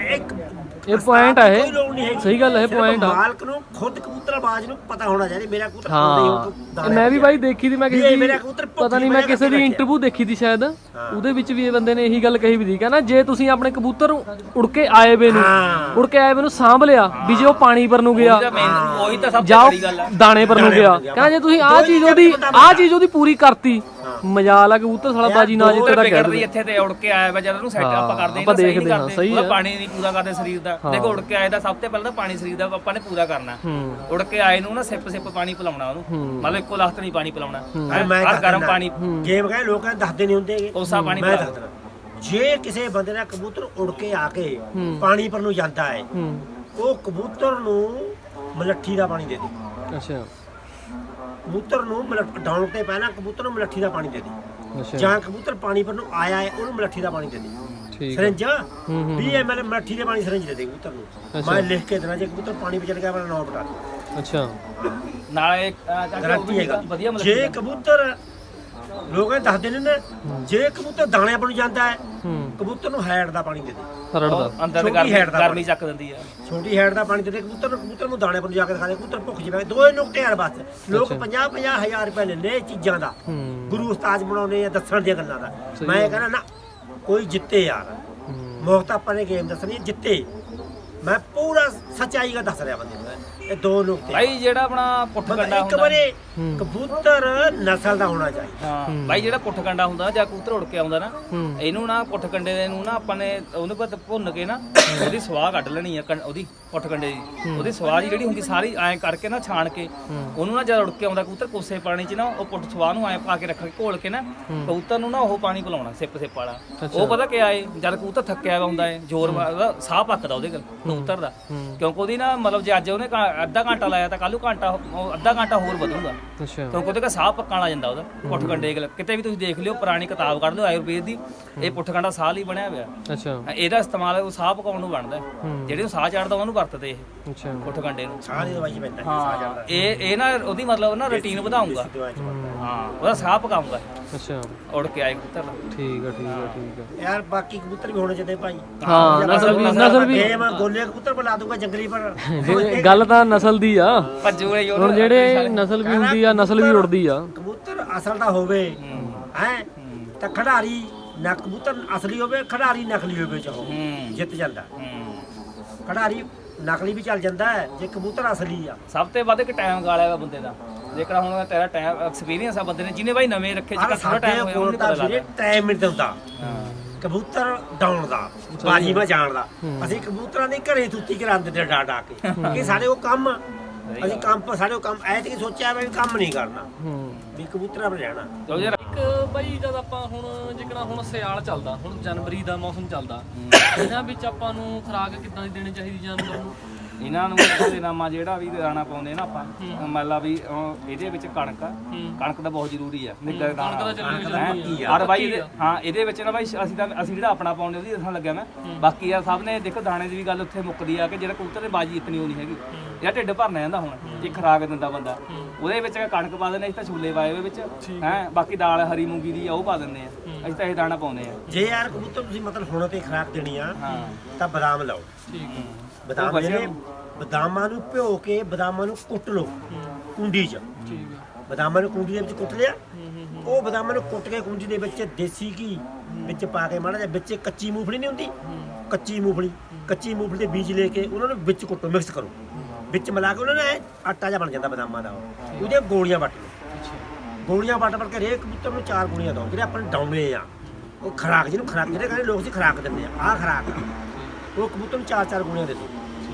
Speaker 2: ਇਹ ਪੁਆਇੰਟ ਆ
Speaker 1: ਕੋਈ ਲੋੜ ਨਹੀਂ
Speaker 2: ਇਹ
Speaker 1: ਹੈਗੀ।
Speaker 2: ਸਹੀ ਗੱਲ ਹੈ ਇਹ ਪੁਆਇੰਟ ਆ
Speaker 1: ਮਾਲਕ ਨੂੰ ਖੁਦ ਕਬੂਤਰਬਾਜ਼ ਨੂੰ ਪਤਾ ਹੋਣਾ ਚਾਹੀਦਾ ਮੇਰਾ ਕਬੂਤਰ
Speaker 2: ਹਾਂ ਮੈਂ ਵੀ ਬਾਈ ਦੇਖੀ ਦੀ ਮੈਂ ਕਿਸੇ ਦੀ
Speaker 1: ਮੇਰਾ ਕਬੂਤਰ
Speaker 2: ਪਤਾ ਨਹੀਂ ਮੈਂ ਕਿਸੇ ਦੀ ਇੰਟਰਵਿਊ ਦੇਖੀ ਦੀ ਸ਼ਾਇਦ ਉਹਦੇ ਵਿੱਚ ਵੀ ਇਹ ਬੰਦੇ ਨੇ ਇਹੀ ਗੱਲ ਕਹੀ ਵੀ ਦੀ ਕਹਿੰਦਾ ਜੇ ਤੁਸੀਂ ਆਪਣੇ ਕਬੂਤਰ ਉੜ ਕੇ ਆਏ ਵੇ ਨੂੰ ਸਾਂਭ ਲਿਆ ਵੀ ਜੇ ਉਹ ਪਾਣੀ ਪਰ ਨੂੰ ਗਿਆ
Speaker 3: ਉਹੀ ਤਾਂ ਸਭ ਤੋਂ
Speaker 2: ਜਾਓ
Speaker 3: ਬੜੀ ਗੱਲ ਆ
Speaker 2: ਦਾਣੇ ਪਰ ਨੂੰ ਗਿਆ ਕਹਿੰਦਾ ਜੇ ਤੁਸੀਂ ਆਹ ਚੀਜ਼ ਉਹਦੀ ਪੂਰੀ ਕਰਤੀ ਮਜਾਲ ਆ ਕਬੂਤਰ ਸਾਲਾ ਬਾਜੀ ਨਾ ਜਿੱਤੇ ਦਾ ਕਹਿ
Speaker 3: ਵਿਗੜਦੀ ਇੱਥੇ ਤੇ ਉੜ ਕੇ ਆਇਆ ਵਾ ਜਦ ਉਹਨੂੰ ਸੈੱਟ ਆਪਾਂ ਕਰਦੇ
Speaker 2: ਆਪਾਂ ਦੇਖਦੇ ਹਾਂ ਸਹੀ
Speaker 3: ਉਹਦਾ ਪਾਣੀ ਨਹੀਂ ਪੂਰਾ ਕਰਦੇ ਸਰੀਰ ਦਾ ਦੇਖੋ ਉੜ ਕੇ ਆਏ ਦਾ ਸਭ ਤੋਂ ਪਹਿਲਾਂ ਤਾਂ ਪਾਣੀ ਸਰੀਰ ਦਾ ਆਪਾਂ ਨੇ ਪੂਰਾ ਕਰਨਾ ਉੜ ਕੇ ਆਏ ਨੂੰ ਨਾ ਸਿੱਪ ਪਾਣੀ ਪਿਲਾਉਣਾ ਉਹਨੂੰ ਮਤਲਬ ਇੱਕੋ ਲੱਖ ਨਹੀਂ ਪਾਣੀ ਪਿਲਾਉਣਾ ਹਰ ਗਰਮ ਪਾਣੀ
Speaker 1: ਗੇਮ ਕਹੇ ਲੋਕਾਂ ਦੱਸਦੇ ਨਹੀਂ ਹੁੰਦੇ
Speaker 3: ਕੋਸਾ ਪਾਣੀ
Speaker 1: ਮੈਂ ਦੱਸਦਾ ਜੇ ਕਿਸੇ ਬੰਦੇ ਦਾ ਕਬੂਤਰ ਉੜ ਕੇ ਆ ਕੇ ਪਾਣੀ ਪਰ ਨੂੰ ਜਾਂਦਾ ਹੈ ਉਹ ਕਬੂਤਰ ਨੂੰ ਮਲੱਠੀ ਦਾ ਪਾਣੀ ਦੇ ਦੇ।
Speaker 2: ਅੱਛਾ
Speaker 1: ਕਬੂਤਰ ਨੂੰ ਡਾਉਣ ਤੇ ਪਹਿਲਾਂ ਕਬੂਤਰ ਨੂੰ ਮਲੱਠੀ ਦਾ ਪਾਣੀ ਦੇ ਦੇ।
Speaker 2: ਅੱਛਾ
Speaker 1: ਜਾਂ ਕਬੂਤਰ ਪਾਣੀ ਪਰ ਨੂੰ ਆਇਆ ਹੈ ਉਹਨੂੰ ਮਲੱਠੀ ਦਾ ਪਾਣੀ ਦੇ ਦੇ।
Speaker 2: ਠੀਕ
Speaker 1: ਸਰੰਜ 20 ml ਮਲੱਠੀ ਦੇ ਪਾਣੀ ਸਰੰਜ ਦੇ ਦੇ ਕਬੂਤਰ ਨੂੰ। ਮੈਂ ਲਿਖ ਕੇ ਦੇਣਾ ਜੇ ਕਬੂਤਰ ਪਾਣੀ ਵਿੱਚ ਚਲ ਗਿਆ ਮੇਰਾ ਨਾਮ ਬਤਾ ਦੇ।
Speaker 2: ਅੱਛਾ
Speaker 3: ਨਾਲੇ
Speaker 1: ਗਾਰੰਟੀ ਹੈਗਾ।
Speaker 3: ਵਧੀਆ ਮਤਲਬ
Speaker 1: ਜੇ ਕਬੂਤਰ ਲੋਕ ਇਹ ਦੱਸਦੇ ਨੇ ਨਾ ਜੇ ਕਬੂਤਰ ਦਾਣੇ ਪਰ ਨੂੰ ਜਾਂਦਾ ਹੈ ਕਬੂਤਰ ਨੂੰ ਹੈਡ ਦਾ ਪਾਣੀ ਦੇ ਦੇ।
Speaker 2: ਰੜਦਾ
Speaker 3: ਅੰਦਰ ਤੇ
Speaker 1: ਛੋਟੀ ਹੈਡ ਦਾ
Speaker 3: ਗਰਮੀ ਚੱਕ ਦਿੰਦੀ ਆ।
Speaker 1: ਛੋਟੀ ਹੈਡ ਦਾ ਪਾਣੀ ਦੇ ਦੇ ਕਬੂਤਰ ਨੂੰ ਦਾਣੇ ਪਰ ਨੂੰ ਜਾ ਕੇ ਦਿਖਾ ਦੇ ਕਬੂਤਰ ਭੁੱਖ ਜਿਵੇਂ ਦੋਏ ਨੁਕਤੇ ਯਾਰ ਬਸ। ਲੋਕ 50-50 ਹਜ਼ਾਰ ਰੁਪਏ ਲੈਂਦੇ ਇਹ ਚੀਜ਼ਾਂ ਦਾ ਗੁਰੂ ਉਸਤਾਦ ਬਣਾਉਣੇ ਆ ਦੱਸਣ ਦੀਆਂ ਗੱਲਾਂ ਦਾ। ਮੈਂ ਕਹਿੰਦਾ ਨਾ ਕੋਈ ਜਿੱਤੇ ਯਾਰ ਮੁਕਤ ਆਪਾਂ ਨੇ ਗੇਮ ਦੱਸਣੀ ਜਿੱਤੇ। ਮੈਂ ਪੂਰਾ ਸੱਚਾਈ ਦਾ ਦੱਸ ਰਿਹਾ ਬੰਦੇ ਨੂੰ ਇਹ ਦੋ ਨੁਕਤੇ।
Speaker 3: ਭਾਈ ਜਿਹੜਾ ਆਪਣਾ ਪੁੱਠ ਕੰਡਾ
Speaker 1: ਇੱਕ
Speaker 3: ਹੁੰਦਾ
Speaker 1: ਵਾਰੀ ਕਬੂਤਰ ਨਸਲ ਦਾ ਹੋਣਾ ਚਾਹੀਦਾ।
Speaker 3: ਹਾਂ ਭਾਈ ਜਿਹੜਾ ਪੁੱਠ ਕੰਡਾ ਹੁੰਦਾ ਜਾਂ ਕਬੂਤਰ ਉੜ ਕੇ ਆਉਂਦਾ ਨਾ ਇਹਨੂੰ ਨਾ ਪੁੱਠ ਕੰਡੇ ਦੇ ਨੂੰ ਨਾ ਆਪਾਂ ਨੇ ਉਹਨੂੰ ਬਾਅਦ ਭੁੰਨ ਕੇ ਨਾ ਉਹਦੀ ਸਵਾਹ ਕੱਢ ਲੈਣੀ ਆ ਉਹਦੀ ਪੁੱਠ ਕੰਡੇ ਦੀ। ਉਹਦੀ ਸਵਾਹ ਜਿਹੜੀ ਹੁੰਦੀ ਸਾਰੀ ਐਂ ਕਰਕੇ ਨਾ ਛਾਣ ਕੇ ਉਹਨੂੰ ਨਾ ਜਦ ਉੜ ਕੇ ਆਉਂਦਾ ਕਬੂਤਰ ਕੋਸੇ ਪਾਣੀ 'ਚ ਨਾ ਉਹ ਪੁੱਠ ਸਵਾਹ ਨੂੰ ਐਂ ਪਾ ਕੇ ਰੱਖ ਕੇ ਘੋਲ ਕੇ ਨਾ ਕਬੂਤਰ ਨੂੰ ਨਾ ਉਹ ਪਾਣੀ ਪਿਲਾਉਣਾ ਸਿੱਪ ਵਾਲਾ। ਉਹ ਪਤਾ ਕਿਆ ਏ ਜਦ ਕਬੂਤਰ ਥੱਕਿਆ ਹੁੰਦਾ ਏ ਜ਼ੋਰ ਮਾਰਦਾ ਸਾਹ ਪੱਕਦਾ ਉਹਦੇ ਕਬੂਤਰ ਦਾ ਕਿਉਂਕਿ ਉਹਦੀ ਨਾ ਮਤਲਬ ਜੇ ਅੱਜ ਉਹਨੇ ਅੱਧਾ ਘੰਟਾ ਲਾਇਆ ਤਾਂ ਕੱਲ ਨੂੰ ਅੱਧਾ ਘੰਟਾ ਹੋਰ ਵਧੂਗਾ ਕਿਉਂਕਿ ਉਹਦੇ ਕਾ ਸਾਹ ਪੱਕਣ ਲੱਗ ਜਾਂਦਾ ਉਹਦਾ ਪੁੱਠ ਕੰਡੇ ਕਿਤੇ ਵੀ ਤੁਸੀਂ ਦੇਖ ਲਿਓ ਪੁਰਾਣੀ ਕਿਤਾਬ ਕੱਢ ਲਿਓ ਆਯੁਰਵੇਦ ਦੀ ਇਹ ਪੁੱਠ ਕੰਡਾ ਸਾਹ ਲਈ ਬਣਿਆ ਹੋਇਆ।
Speaker 2: ਅੱਛਾ
Speaker 3: ਇਹਦਾ ਇਸਤੇਮਾਲ ਉਹ ਸਾਹ ਪਕਾਉਣ ਨੂੰ ਬਣਦਾ ਜਿਹੜੇ ਨੂੰ ਸਾਹ ਚੜਦਾ ਉਹਨੂੰ ਵਰਤਦੇ ਇਹ
Speaker 2: ਅੱਛਾ
Speaker 3: ਪੁੱਠ ਕੰਡੇ ਨੂੰ।
Speaker 1: ਸਾਹ ਦੀ ਦਵਾਈ ਪੈਂਦਾ
Speaker 3: ਹਾਂ ਇਹ ਨਾ ਉਹਦੀ ਮਤਲਬ ਨਾ ਰੁਟੀਨ ਵਧਾਉਂਗਾ। ਹਾਂ ਉਹਦਾ ਸਾਹ ਪਕਾਉਂਗਾ
Speaker 2: ਅੱਛਾ
Speaker 3: ਉੜ ਕੇ ਆਏ ਕਬੂਤਰ ਦਾ।
Speaker 2: ਠੀਕ ਆ ਠੀਕ ਆ ਠੀਕ ਆ
Speaker 1: ਯਾਰ ਬਾਕੀ ਕਬੂਤਰ ਵੀ ਹੋਣੇ ਚਾਹੀਦੇ ਭਾਈ।
Speaker 2: ਹਾਂ ਨਸਲ ਵੀ
Speaker 1: ਗੇਮ ਗੋਲੇ ਕਬੂਤਰ ਬੁਲਾ ਦੂੰਗਾ ਜੰਗਲੀ ਪਰ
Speaker 2: ਗੱਲ ਤਾਂ ਨਸਲ ਦੀ ਆ।
Speaker 3: ਭੱਜੂ
Speaker 2: ਹੁਣ ਜਿਹੜੇ ਨਸਲ ਵੀ ਹੁੰਦੀ ਆ ਨਸਲ ਵੀ ਉੜਦੀ ਆ।
Speaker 1: ਕਬੂਤਰ ਅਸਲ ਦਾ ਹੋਵੇ ਹੈ ਤਾਂ ਖਿਡਾਰੀ ਨਾ ਕਬੂਤਰ ਅਸਲੀ ਹੋਵੇ ਖਿਡਾਰੀ ਨਕਲੀ ਹੋਵੇ ਚਾਹੋ ਜਿੱਤ ਜਾਂਦਾ। ਖਿਡਾਰੀ ਨਕਲੀ ਵੀ ਚੱਲ ਜਾਂਦਾ ਹੈ ਜੇ ਕਬੂਤਰ ਅਸਲੀ ਆ।
Speaker 3: ਸਭ ਤੋਂ ਵੱਧ ਇੱਕ ਟਾਈਮ ਗਾਲਿਆ ਵਾ ਬੰਦੇ ਦਾ। ਜੇਕਰ ਹੁਣ ਤੇਰਾ ਟਾਈਮ ਐਕਸਪੀਰੀਅੰਸ ਆ ਬੰਦੇ ਨੇ ਜਿਹਨੇ ਬਾਈ ਨਵੇਂ ਰੱਖੇ ਚ ਥੋੜਾ ਟਾਈਮ ਹੋਇਆ ਉਹਨੂੰ ਪਤਾ ਲੱਗਦਾ
Speaker 1: ਟਾਈਮ ਮਿਲ ਜਾਂਦਾ ਕਬੂਤਰ ਡਾਉਣ ਦਾ ਬਾਜੀ ਮੈਂ ਜਾਣ ਦਾ। ਅਸੀਂ ਕਬੂਤਰਾਂ ਦੇ ਘਰੇ ਤੁੱਤੀ ਕਰਾਉਂਦੇ ਤੇ ਡਾ ਡਾ ਕੇ ਕਿ ਸਾਡੇ ਉਹ ਕੰਮ ਅਸੀਂ ਕੰਮ ਸਾਡੇ ਉਹ ਕੰਮ ਐ ਤੇ ਸੋਚਿਆ ਵੀ ਕੰਮ ਨਹੀਂ ਕਰਨਾ ਵੀ ਕਬੂਤਰਾਂ ਪਰ ਰਹਿਣਾ।
Speaker 2: ਇੱਕ ਬਾਈ ਜਦ ਆਪਾਂ ਹੁਣ ਜਿਕਣਾ ਹੁਣ ਸਿਆਲ ਚੱਲਦਾ ਹੁਣ ਜਨਵਰੀ ਦਾ ਮੌਸਮ ਚੱਲਦਾ ਇਹਨਾਂ ਵਿੱਚ ਆਪਾਂ ਨੂੰ ਖੁਰਾਕ ਕਿੱਦਾਂ ਦੀ ਦੇਣੀ ਚਾਹੀਦੀ ਜਾਨਵਰ ਨੂੰ?
Speaker 3: ਇਹਨਾਂ ਨੂੰ ਇਹਦੇ ਨਾਮਾ ਜਿਹੜਾ ਵੀ ਦਾਣਾ ਪਾਉਂਦੇ ਨਾ ਆਪਾਂ ਮੰਨ ਲਾ ਵੀ ਇਹਦੇ ਵਿੱਚ ਕਣਕ ਦਾ ਬਹੁਤ ਜ਼ਰੂਰੀ ਆ ਨਿੱਘਾ ਦਾਣਾ ਔਰ ਬਾਈ ਹਾਂ ਇਹਦੇ ਵਿੱਚ ਨਾ ਬਾਈ ਅਸੀਂ ਜਿਹੜਾ ਆਪਣਾ ਪਾਉਂਦੇ ਉਹਦੀ ਦੱਸਣ ਲੱਗਿਆ ਮੈਂ। ਬਾਕੀ ਆ ਸਭ ਨੇ ਦੇਖੋ ਦਾਣੇ ਦੀ ਵੀ ਗੱਲ ਉੱਥੇ ਮੁੱਕਦੀ ਆ ਕਿ ਜਿਹੜਾ ਕਬੂਤਰ ਦੀ ਬਾਜੀ ਇਤਨੀ ਉਹ ਨਹੀਂ ਹੈਗੀ ਜਿਹੜਾ ਢਿੱਡ ਭਰਨਾ ਜਾਂਦਾ ਹੁਣ ਇਹ ਖੁਰਾਕ ਦਿੰਦਾ ਬੰਦਾ ਉਹਦੇ ਵਿੱਚ ਕਣਕ ਪਾ ਦਿੰਦੇ ਅਸੀਂ ਤਾਂ ਛੋਲੇ ਪਾਏ ਉਹਦੇ ਵਿੱਚ ਹੈ ਬਾਕੀ ਦਾਲ ਹਰੀ ਮੂੰਗੀ ਦੀ ਉਹ ਪਾ ਦਿੰਦੇ ਆ ਅਸੀਂ ਤਾਂ ਇਹ ਦਾਣਾ ਪਾਉਂਦੇ ਆ।
Speaker 1: ਜੇ ਯਾਰ ਕਬੂਤਰ ਤੁਸੀਂ ਮਤਲਬ ਹੁਣ ਤੇ ਖੁਰਾਕ ਦੇਣੀ ਆ ਤਾਂ ਬਦਾਮ ਲਾਓ।
Speaker 2: ਠੀਕ ਹੈ
Speaker 1: ਬਦਾਮ ਜਿਹੜੇ ਬਦਾਮਾਂ ਨੂੰ ਭਿਓ ਕੇ ਬਦਾਮਾਂ ਨੂੰ ਕੁੱਟ ਲਓ ਕੁੰਡੀ 'ਚ।
Speaker 2: ਠੀਕ ਹੈ
Speaker 1: ਬਦਾਮਾਂ ਨੂੰ ਕੁੰਡੀ ਦੇ ਵਿੱਚ ਕੁੱਟ ਲਿਆ ਉਹ ਬਦਾਮਾਂ ਨੂੰ ਕੁੱਟ ਕੇ ਕੁੰਡੀ ਦੇ ਵਿੱਚ ਦੇਸੀ ਘੀ ਵਿੱਚ ਪਾ ਕੇ ਮਾੜਾ ਜਿਹਾ ਵਿੱਚ ਕੱਚੀ ਮੂੰਗਫਲੀ ਨਹੀਂ ਹੁੰਦੀ ਕੱਚੀ ਮੂੰਗਫਲੀ ਦੇ ਬੀਜ ਲੈ ਕੇ ਉਹਨਾਂ ਨੂੰ ਵਿੱਚ ਕੁੱਟੋ ਮਿਕਸ ਕਰੋ ਵਿੱਚ ਮਿਲਾ ਕੇ ਉਹਨਾਂ ਨੇ ਆਟਾ ਜਿਹਾ ਬਣ ਜਾਂਦਾ ਬਦਾਮਾਂ ਦਾ ਉਹਦੀਆਂ ਗੋਲੀਆਂ ਵੱਟ ਲਓ। ਗੋਲੀਆਂ ਵੱਟ ਕੇ ਹਰੇਕ ਕਬੂਤਰ ਨੂੰ 4 ਗੋਲੀਆਂ ਦਿਓ ਜਿਹੜੇ ਆਪਣੇ ਡਾਉਣੇ ਆ ਉਹ ਖੁਰਾਕ ਜਿਹਨੂੰ ਖੁਰਾਕ ਜਿਹੜੇ ਕਹਿੰਦੇ ਲੋਕ ਸੀ ਖੁਰਾਕ ਦਿੰਦੇ ਆ ਆਹ ਖੁਰਾਕ ਉਹ ਕਬੂਤਰ ਨੂੰ 4 ਗੋਲੀਆਂ ਦੇ ਦਿਓ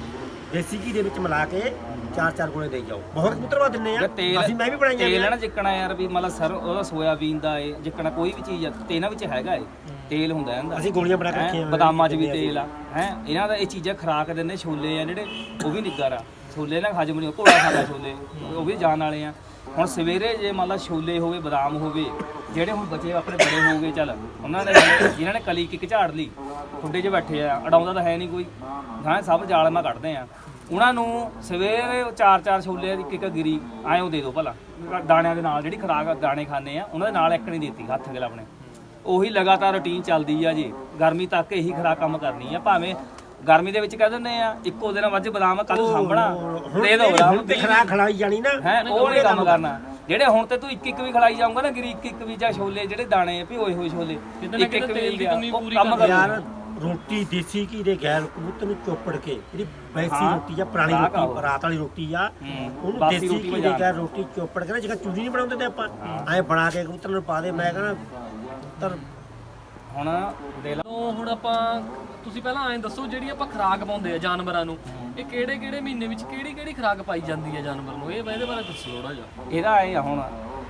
Speaker 1: ਦੇਸੀ ਘੀ ਦੇ ਵਿੱਚ ਮਿਲਾ ਕੇ 4 ਗੋਲੀਆਂ ਦੇਈ ਜਾਓ। ਬਹੁਤ ਕਬੂਤਰ ਵਾ ਦਿੰਨੇ ਆ ਅਸੀਂ ਮੈਂ ਵੀ ਬਣਾਈਆਂ
Speaker 3: ਤੇਲ ਹੈ ਨਾ ਜਿੱਕਣਾ ਯਾਰ ਵੀ ਮਤਲਬ ਸਰ ਉਹਦਾ ਸੋਇਆਬੀਨ ਦਾ ਏ ਜਿੱਕਣਾ ਕੋਈ ਵੀ ਚੀਜ਼ ਆ ਤੇ ਇਹਨਾਂ ਵਿੱਚ ਹੈਗਾ ਏ ਤੇਲ ਹੁੰਦਾ ਇਹਦਾ
Speaker 1: ਅਸੀਂ ਗੋਲੀਆਂ ਬਣਾ ਕੇ ਰੱਖੀਆਂ
Speaker 3: ਬਦਾਮਾਂ 'ਚ ਵੀ ਤੇਲ ਆ ਹੈ ਇਹਨਾਂ ਦਾ ਇਹ ਚੀਜ਼ਾਂ ਖੁਰਾਕ ਦਿੰਦੇ ਛੋਲੇ ਆ ਜਿਹੜੇ ਉਹ ਵੀ ਨਿੱਗਰ ਆ ਛੋਲੇ ਨਾਲ ਹਜਮ ਨਹੀਂ ਘੋੜਾ ਖਾਂਦਾ ਛੋਲੇ ਉਹ ਵੀ ਜਾਨ ਵਾਲੇ ਆ। ਹੁਣ ਸਵੇਰੇ ਜੇ ਮੰਨ ਲਾ ਛੋਲੇ ਹੋਵੇ ਬਦਾਮ ਹੋਵੇ ਜਿਹੜੇ ਹੁਣ ਬੱਚੇ ਆਪਣੇ ਬੜੇ ਹੋ ਗਏ ਚੱਲ ਉਹਨਾਂ ਨੇ ਜਿਨ੍ਹਾਂ ਨੇ ਕਲੀ ਕਿੱਕ ਝਾੜ ਲਈ ਖੁੱਡੇ 'ਚ ਬੈਠੇ ਆ ਅਡਾਉਂਦਾ ਤਾਂ ਹੈ ਨਹੀਂ ਕੋਈ ਹਾਂ ਸਭ ਜਾਲਮਾ ਕੱਢਦੇ ਆ ਉਹਨਾਂ ਨੂੰ ਸਵੇਰੇ 4 ਛੋਲੇ ਦੀ ਇੱਕ ਗਿਰੀ ਐਂ ਦੇ ਦਿਓ ਭਲਾ ਦਾਣਿਆਂ ਦੇ ਨਾਲ ਜਿਹੜੀ ਖੁਰਾਕ ਦਾਣੇ ਖਾਂਦੇ ਆ ਉਹਨਾਂ ਦੇ ਨਾਲ ਇੱਕ ਨਹੀਂ ਦਿੱਤੀ ਹੱਥ ਅਗਲਾ ਆਪਣੇ ਉਹੀ ਲਗਾਤਾਰ ਰੁਟੀਨ ਚੱਲਦੀ ਆ ਜੀ ਗਰਮੀ ਤੱਕ ਇਹੀ ਖੁਰਾਕ ਕੰਮ ਕਰਨੀ ਆ ਭਾਵੇਂ ਗਰਮੀ ਦੇ ਵਿੱਚ ਕਹਿ ਦਿੰਦੇ ਆ ਇੱਕੋ ਦਿਨ ਵੱਜ ਬਦਾਮ ਕੱਲ ਸਾਂਭਣਾ ਦੇ ਦੋ
Speaker 1: ਹੁਣ ਤੇ ਖੁਰਾਕ ਖਿਲਾਈ ਜਾਣੀ ਨਾ
Speaker 3: ਹੈ ਉਹ ਨਹੀਂ ਕੰਮ ਕਰਨਾ ਜਿਹੜੇ ਹੁਣ ਤੇ ਤੂੰ ਇੱਕ ਵੀ ਖਿਲਾਈ ਜਾਊਂਗਾ ਨਾ ਗਿਰੀ ਇੱਕ ਵੀ ਜਾਂ ਛੋਲੇ ਜਿਹੜੇ ਦਾਣੇ ਵੀ ਹੋਏ ਛੋਲੇ ਇੱਕ ਵੀ ਕੰਮ ਕਰ
Speaker 1: ਯਾਰ ਰੋਟੀ ਦੇਸੀ ਘੀ ਦੇ ਗੈਰ ਕਬੂਤਰ ਨੂੰ ਚੋਪੜ ਕੇ ਜਿਹੜੀ ਵੈਸੀ ਰੋਟੀ ਜਾਂ ਪੁਰਾਣੀ ਰੋਟੀ ਰਾਤ ਵਾਲੀ ਰੋਟੀ ਆ ਉਹਨੂੰ ਦੇਸੀ ਘੀ ਦੇ ਗੈਰ ਰੋਟੀ ਚੋਪੜ ਕੇ ਨਾ ਜਿਹੜਾ ਚੂਰੀ ਨਹੀਂ ਬਣਾਉਂਦੇ ਤੇ ਆਪਾਂ ਐਂ ਬਣਾ ਕੇ ਕਬੂਤਰ ਨੂੰ ਪਾ ਦੇ ਮੈਂ ਕਹਿੰਦਾ ਕਬੂਤਰ
Speaker 3: ਹੁਣ ਦੇ
Speaker 2: ਲਓ ਹੁਣ ਆਪਾਂ ਤੁਸੀਂ ਪਹਿਲਾਂ ਐਂ ਦੱਸੋ ਜਿਹੜੀ ਆਪਾਂ ਖੁਰਾਕ ਪਾਉਂਦੇ ਆ ਜਾਨਵਰਾਂ ਨੂੰ ਇਹ ਕਿਹੜੇ ਮਹੀਨੇ ਵਿੱਚ ਕਿਹੜੀ ਖੁਰਾਕ ਪਾਈ ਜਾਂਦੀ ਹੈ ਜਾਨਵਰ ਨੂੰ ਇਹ ਇਹਦੇ ਬਾਰੇ ਦੱਸੋ ਥੋੜਾ ਜਿਹਾ।
Speaker 3: ਇਹਦਾ ਇਹ ਆ ਹੁਣ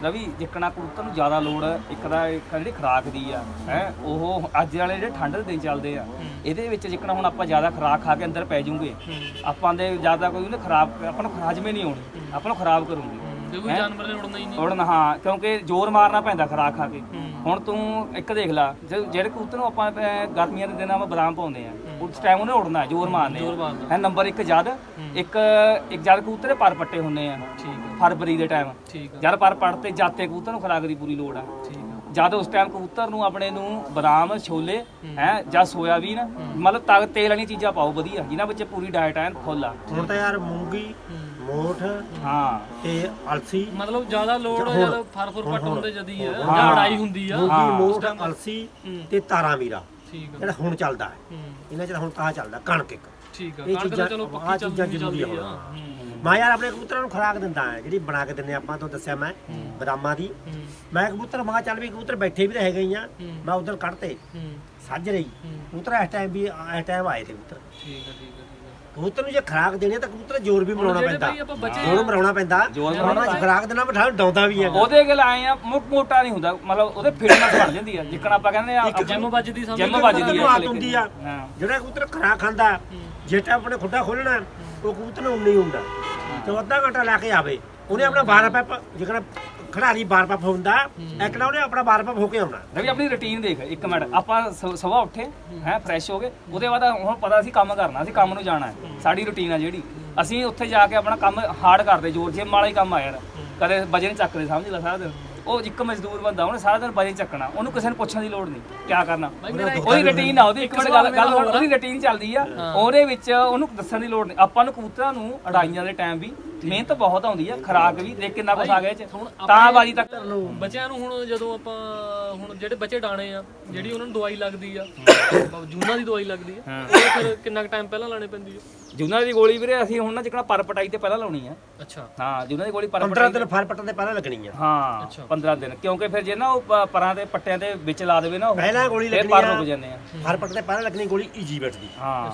Speaker 3: ਰਵੀ ਜਿੱਕਣਾ ਕਬੂਤਰ ਨੂੰ ਜ਼ਿਆਦਾ ਲੋੜ ਇੱਕ ਦਾ ਜਿਹੜੀ ਖੁਰਾਕ ਦੀ ਆ ਹੈ ਉਹ ਅੱਜ ਵਾਲੇ ਜਿਹੜੇ ਠੰਡ ਦੇ ਦਿਨ ਚੱਲਦੇ ਆ ਇਹਦੇ ਵਿੱਚ ਜਿੱਕਣਾ ਹੁਣ ਆਪਾਂ ਜ਼ਿਆਦਾ ਖੁਰਾਕ ਖਾ ਕੇ ਅੰਦਰ ਪੈ ਜੂਗੇ ਆਪਾਂ ਦੇ ਜ਼ਿਆਦਾ ਕੋਈ ਉਹਨੇ ਖਰਾਬ ਆਪਾਂ ਨੂੰ ਹਜਮੇ ਨਹੀਂ ਆਉਣੀ ਆਪਾਂ ਨੂੰ ਖਰਾਬ ਕਰੂਗੀ
Speaker 2: ਕੋਈ ਜਾਨਵਰ ਨੇ ਉੜਨਾ ਹੀ ਨਹੀਂ
Speaker 3: ਉੜਨ ਹਾਂ ਕਿਉਂਕਿ ਜ਼ੋਰ ਮਾਰਨਾ ਪੈਂਦਾ ਖੁਰਾਕ ਖਾ ਕੇ ਹੁਣ ਤੂੰ ਇੱਕ ਦੇਖ ਲਾ ਜਿਹੜੇ ਕਬੂਤਰ ਨੂੰ ਆਪਾਂ ਗਰਮੀਆਂ ਦੇ ਦਿਨਾਂ ਵਿੱਚ ਬਦਾਮ ਪਾਉਂਦੇ ਆ ਉਸ ਟਾਈਮ ਉਹਨੇ ਉੜਨਾ ਜ਼ੋਰ ਮਾਰਨੇ ਹੈ ਨੰਬਰ 1 ਜਦ ਇੱਕ ਜਦ ਕਬੂਤਰ ਪਰ ਪੱਟੇ ਹੁੰਦੇ ਆ ਫਰਵਰੀ ਦੇ ਟਾਈਮ ਜਦ ਪਰ ਪੱਟ ਤੇ ਜਾਤੇ ਕਬੂਤਰ ਨੂੰ ਖੁਰਾਕ ਦੀ ਪੂਰੀ ਲੋੜ ਆ ਜਦ ਉਸ ਟਾਈਮ ਕਬੂਤਰ ਨੂੰ ਆਪਣੇ ਨੂੰ ਬਦਾਮ ਛੋਲੇ ਹੈ ਜਾਂ ਸੋਇਆਬੀਨ ਮਤਲਬ ਤਾਕਤ ਤੇਲ ਵਾਲੀਆਂ ਚੀਜ਼ਾਂ ਪਾਓ ਵਧੀਆ ਜਿਨ੍ਹਾਂ ਵਿੱਚ ਪੂਰੀ ਡਾਇਟ ਐਨ ਫੁੱਲ ਆ
Speaker 1: ਹੁਣ ਤਾਂ ਯਾਰ ਮੂੰਗੀ ਮੋਠ
Speaker 3: ਹਾਂ
Speaker 1: ਤੇ ਅਲਸੀ
Speaker 2: ਮਤਲਬ ਜ਼ਿਆਦਾ ਲੋੜ ਜਦ ਫਰਫਰ ਪੱਟ ਹੁੰਦੇ ਜਦੀ ਆ ਜਾਂ ਅੜਾਈ ਹੁੰਦੀ ਆ
Speaker 1: ਮੂੰਗੀ ਮੋਠ ਅਲਸੀ ਤੇ ਤਾਰਾ ਮੀਰਾ
Speaker 2: ਠੀਕ ਆ
Speaker 1: ਜਿਹੜਾ ਹੁਣ ਚੱਲਦਾ ਹੈ ਇਹਨਾਂ ਚ ਹੁਣ ਤਾਂ ਚੱਲਦਾ ਕਣਕ ਇੱਕ
Speaker 2: ਠੀਕ ਆ
Speaker 1: ਇਹ
Speaker 2: ਕਣਕ ਤਾਂ
Speaker 1: ਚੀਜ਼ਾਂ
Speaker 2: ਚਲੋ
Speaker 1: ਆਹ
Speaker 2: ਪੱਕੀ
Speaker 1: ਚੀਜ਼ਾਂ ਜ਼ਰੂਰੀ ਆ ਮੈਂ ਯਾਰ ਆਪਣੇ ਕਬੂਤਰਾਂ ਨੂੰ ਖੁਰਾਕ ਦਿੰਦਾ ਹੈ ਜਿਹੜੀ ਬਣਾ ਕੇ ਦਿੰਦੇ ਆਪਾਂ ਤੋਂ ਦੱਸਿਆ ਮੈਂ ਬਦਾਮਾਂ ਦੀ ਮੈਂ ਕਬੂਤਰ ਮਾਂ ਚੱਲ ਵੀ ਕਬੂਤਰ ਬੈਠੇ ਵੀ ਤਾਂ ਹੈਗੇ ਹੀ ਆ ਮੈਂ ਉਧਰ ਕੱਢਤੇ ਸੱਜ ਰਹੀ ਕਬੂਤਰ ਇਸ ਟਾਈਮ ਵੀ ਇਸ ਟਾਈਮ ਆਏ ਤੇ ਕਬੂਤਰ
Speaker 2: ਠੀਕ ਆ
Speaker 1: ਕਬੂਤਰ ਨੂੰ ਜੇ ਖੁਰਾਕ ਦੇਣੀ ਤਾਂ ਕਬੂਤਰ ਜ਼ੋਰ ਵੀ ਬਣਾਉਣਾ ਪੈਂਦਾ
Speaker 2: ਆਪਾਂ ਬੱਚੇ
Speaker 1: ਜ਼ੋਰ ਬਣਾਉਣਾ ਪੈਂਦਾ ਉਹਨਾਂ ਚ ਖੁਰਾਕ ਦੇਣਾ ਬਿਠਾ ਡਾਉਂਦਾ ਵੀ ਹੈਗਾ
Speaker 3: ਉਹਦੇ ਗੱਲ ਆਏ ਆ ਮੋਟਾ ਨਹੀਂ ਹੁੰਦਾ ਮਤਲਬ ਉਹਦੇ ਫਿਟਨੈਸ ਬਣ ਜਾਂਦੀ ਆ ਜਿੱਕਣ ਆਪਾਂ ਕਹਿੰਦੇ ਆ
Speaker 2: ਜਿੰਮ ਵੱਜਦੀ ਸਮਝ
Speaker 3: ਜਿੰਮ ਵੱਜਦੀ ਆ
Speaker 1: ਆਦਤ ਹੁੰਦੀ ਆ ਜਿਹੜਾ ਕਬੂਤਰ ਖੁਰਾਕ ਖਾਂਦਾ ਜਿਹੜਾ ਆਪਣੇ ਖੁੱਡਾ ਖੋਲਣਾ ਉਹ ਕਬੂਤਰ ਨੂੰ ਨਹੀਂ ਹੁੰਦਾ ਤੇ ਅੱਧਾ ਘੰਟਾ ਲੈ ਕੇ ਆਵੇ ਉਹਨੇ ਆਪਣਾ 12 ਪੈਪ ਜਿਹੜਾ ਖਿਡਾਰੀ 12 ਪੈਪ ਹੁੰਦਾ ਇੱਕ ਨਾ ਉਹਨੇ ਆਪਣਾ 12 ਪੈਪ ਹੋ ਕੇ ਆਉਣਾ
Speaker 3: ਰਵੀ ਆਪਣੀ ਰੁਟੀਨ ਦੇਖ ਇੱਕ ਮਿੰਟ ਆਪਾਂ ਸਵੇਰ ਉੱਠੇ ਹੈ ਫਰੈਸ਼ ਹੋ ਗਏ ਉਹਦੇ ਬਾਅਦ ਹੁਣ ਪਤਾ ਅਸੀਂ ਕੰਮ ਕਰਨਾ ਅਸੀਂ ਕੰਮ ਨੂੰ ਜਾਣਾ ਹੈ ਸਾਡੀ ਰੁਟੀਨ ਆ ਜਿਹੜੀ ਅਸੀਂ ਉੱਥੇ ਜਾ ਕੇ ਆਪਣਾ ਕੰਮ ਹਾਰਡ ਕਰਦੇ ਜ਼ੋਰ ਜਿੰਮ ਵਾਲਾ ਹੀ ਕੰਮ ਆ ਯਾਰ ਕਦੇ ਵਜਨ ਚੱਕਦੇ ਸਮਝ ਲੈ ਸਾਰਾ ਦਿਨ ਉਹ ਇੱਕ ਮਜ਼ਦੂਰ ਬੰਦਾ ਉਹਨੇ ਸਾਰਾ ਦਿਨ ਵਜਨ ਚੱਕਣਾ ਉਹਨੂੰ ਕਿਸੇ ਨੂੰ ਪੁੱਛਣ ਦੀ ਲੋੜ ਨਹੀਂ ਕੀ ਕਰਨਾ ਉਹਦੀ ਰੁਟੀਨ ਆ ਉਹਦੀ ਇੱਕ ਮਿੰਟ ਗੱਲ ਉਹਦੀ ਰੁਟੀਨ ਚੱਲਦੀ ਆ ਉਹਦੇ ਵਿੱਚ ਉਹਨੂੰ ਦੱਸਣ ਦੀ ਲੋੜ ਨਹੀਂ ਆਪਾਂ ਨੂੰ ਕਬੂਤਰਾਂ ਨੂੰ ਅੜਾਈਆਂ ਦੇ ਟਾਈਮ ਵੀ ਮਿਹਨਤ ਬਹੁਤ ਆਉਂਦੀ ਆ ਖੁਰਾਕ ਵੀ ਦੇਖ ਕਿੰਨਾ ਕੁਛ ਆ ਗਿਆ ਇਹ ਚ ਤਾਂ ਬਾਜੀ ਤੱਕ
Speaker 2: ਬੱਚਿਆਂ ਨੂੰ ਹੁਣ ਜਦੋਂ ਆਪਾਂ ਹੁਣ ਜਿਹੜੇ ਬੱਚੇ ਡਾਣੇ ਆ ਜਿਹੜੀ ਉਹਨਾਂ ਨੂੰ ਦਵਾਈ ਲੱਗਦੀ ਆ ਜੂਨਾਂ ਦੀ ਦਵਾਈ ਲੱਗਦੀ ਆ ਉਹ ਫਿਰ ਕਿੰਨਾ ਟਾਈਮ ਪਹਿਲਾਂ ਲਾਣੇ ਪੈਂਦੀ ਆ
Speaker 3: ਜੂਨਾਂ ਦੀ ਗੋਲੀ ਵੀਰੇ ਅਸੀਂ ਹੁਣ ਨਾ ਜਿਕਣਾ ਪਰ ਪਟਾਈ ਤੇ ਪਹਿਲਾਂ ਲਾਉਣੀ ਆ
Speaker 2: ਅੱਛਾ
Speaker 3: ਹਾਂ ਜੂਨਾਂ ਦੀ ਗੋਲੀ ਪਰ
Speaker 1: 15 ਦਿਨ ਫਲ ਪੱਟਣ ਦੇ ਪਹਿਲਾਂ ਲੱਗਣੀ ਆ
Speaker 3: ਹਾਂ 15 ਦਿਨ ਕਿਉਂਕਿ ਫਿਰ ਜੇ ਨਾ ਉਹ ਪਰਾਂ ਦੇ ਪੱਟਿਆਂ ਦੇ ਵਿੱਚ ਲਾ ਦੇਵੇ ਨਾ ਉਹ
Speaker 1: ਪਹਿਲਾਂ ਗੋਲੀ
Speaker 3: ਫਿਰ
Speaker 1: ਲੱਗਣੀ
Speaker 3: ਪਰ
Speaker 1: ਆ
Speaker 3: ਰੁਕ ਜਾਂਦੇ ਆ
Speaker 1: ਫਲ ਪੱਟਣ ਦੇ ਪਹਿਲਾਂ ਲੱਗਣੀ ਗੋਲੀ ਈਜੀਪਟ ਦੀ
Speaker 3: ਹਾਂ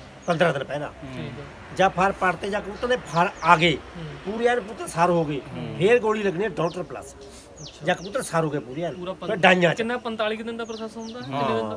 Speaker 1: 15 ਦਿਨ ਪਹਿਲਾਂ
Speaker 2: ਠੀਕ ਆ
Speaker 1: ਜਾਂ ਫਲ ਪੜਤੇ ਜਾਂ ਕਬੂਤਰ ਦੇ ਫਲ ਆ ਗਏ ਪੂਰੇ ਐਨ ਕਬੂਤਰ ਸਾਰ ਹੋ ਗਏ ਫੇਰ ਗੋਲੀ ਲੱਗਣੀ ਹੈ ਡਾਕਟਰ ਪਲੱਸ ਜਾਂ ਕਬੂਤਰ ਸਾਰ ਹੋ ਗਏ ਪੂਰੇ ਐਨ ਫਿਰ ਡਾਈਆਂ ਚ
Speaker 2: ਕਿੰਨਾ 45 ਦਿਨ ਦਾ ਪ੍ਰੋਸੈਸ ਹੁੰਦਾ ਕਿੰਨੇ ਦਿਨ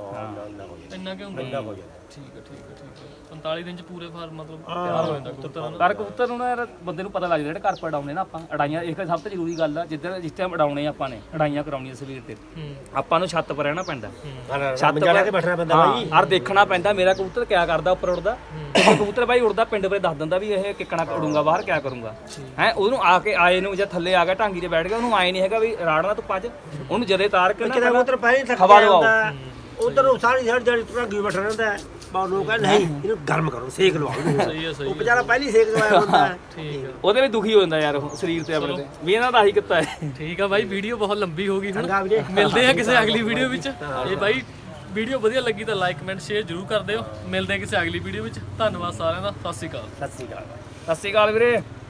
Speaker 2: ਦਾ ਇੰਨਾ ਕਿ ਹੁੰਦਾ
Speaker 1: ਹੋ ਜਾਂਦਾ
Speaker 2: ਠੀਕ ਆ 45 ਦਿਨ ਚ ਪੂਰੇ ਫਾਰਮ ਮਤਲਬ ਤਿਆਰ ਹੋ ਜਾਂਦਾ ਕਬੂਤਰ
Speaker 3: ਪਰ ਕਬੂਤਰ ਨੂੰ ਨਾ ਯਾਰ ਬੰਦੇ ਨੂੰ ਪਤਾ ਲੱਗ ਜਾਂਦਾ ਜਿਹੜੇ ਘਰ ਪੜਾਉਣੇ ਨਾ ਆਪਾਂ ਅੜਾਈਆਂ ਇੱਕ ਸਭ ਤੋਂ ਜ਼ਰੂਰੀ ਗੱਲ ਆ ਜਿਸ ਟਾਈਮ ਅੜਾਉਣੇ ਆਪਾਂ ਨੇ ਅੜਾਈਆਂ ਕਰਾਉਣੀਆਂ ਸਵੇਰ ਤੇ ਆਪਾਂ ਨੂੰ ਛੱਤ ਪਰ ਰਹਿਣਾ ਪੈਂਦਾ
Speaker 1: ਛੱਤ ਲੈ ਕੇ ਬੈਠਣਾ ਪੈਂਦਾ ਬਾਈ
Speaker 3: ਔਰ ਦੇਖਣਾ ਪੈਂਦਾ ਮੇਰਾ ਕਬੂਤਰ ਕਿਆ ਕਰਦਾ ਉੱਪਰ ਉੱਡਦਾ ਕਬੂਤਰ ਬਾਈ ਉੜਦਾ ਪਿੰਡ ਬਾਰੇ ਦੱਸ ਦਿੰਦਾ ਵੀ ਇਹ ਕਿੱਕਣਾ ਉਡੂਗਾ ਬਾਹਰ ਕਿਆ ਕਰੂੰਗਾ ਹੈ ਉਹਨੂੰ ਆ ਕੇ ਆਏ ਨੂੰ ਜਾਂ ਥੱਲੇ ਆ ਗਿਆ ਢਾਂਗੀ ਤੇ ਬੈਠ ਗਿਆ ਉਹਨੂੰ ਆਏ ਨਹੀਂ ਹੈਗਾ ਵੀ ਰਾੜਨਾ ਧੁੱਪਾਂ 'ਚ ਉਹਨੂੰ ਜਦੇ ਤਾਰ ਕੇ
Speaker 1: ਕਿਤੇ ਕਬੂਤਰ ਪਹਿਲਾਂ ਥੱਕ
Speaker 3: ਹਵਾ
Speaker 1: ਜਾਂਦਾ ਉਧਰ ਉਹ ਸਾਰੀ ਜਿਹੜੀ ਢਾਂਗੀ ਬੈਠਾ ਰਹਿੰਦਾ ਹੈ ਬਾਹਰ ਲੋਕ ਕਹਿੰਦੇ ਨਹੀਂ ਇਹਨੂੰ ਗਰਮ ਕਰੋ ਸੇਕ ਲਵਾਓ
Speaker 2: ਸਹੀ ਹੈ
Speaker 1: ਉਹ ਵਿਚਾਰਾ ਪਹਿਲੀ ਸੇਕ ਲਵਾਇਆ ਹੁੰਦਾ
Speaker 2: ਠੀਕ ਆ
Speaker 3: ਉਹਦੇ ਵੀ ਦੁਖੀ ਹੋ ਜਾਂਦਾ ਯਾਰ ਉਹ ਸਰੀਰ ਤੇ ਆਪਣੇ ਤੇ ਵੀ ਇਹਨਾਂ ਦਾ ਆਹੀ ਕੀਤਾ ਹੈ
Speaker 2: ਠੀਕ ਆ ਬਾਈ ਵੀਡੀਓ ਬਹੁਤ ਲੰਬੀ ਹੋ ਗਈ ਹੁਣ
Speaker 1: ਚੰਗਾ ਵੀਰੇ
Speaker 2: ਮਿਲਦੇ ਆ ਕਿਸੇ ਅਗਲੀ ਵੀਡੀਓ ਵਿੱਚ ਇਹ ਬਾਈ ਵੀਡੀਓ ਵਧੀਆ ਲੱਗੀ ਤਾਂ ਲਾਈਕ ਕਮੈਂਟ ਸ਼ੇਅਰ ਜ਼ਰੂਰ ਕਰ ਦਿਓ ਮਿਲਦੇ ਆ ਕਿਸੇ ਅਗਲੀ ਵੀਡੀਓ ਵਿੱਚ ਧੰਨਵਾਦ ਸਾਰਿਆਂ ਦਾ ਸਤਿ ਸ਼੍ਰੀ ਅਕਾਲ
Speaker 1: ਸਤਿ ਸ਼੍ਰੀ ਅਕਾਲ
Speaker 3: ਸਤਿ ਸ਼੍ਰੀ ਅਕਾਲ ਵੀਰੇ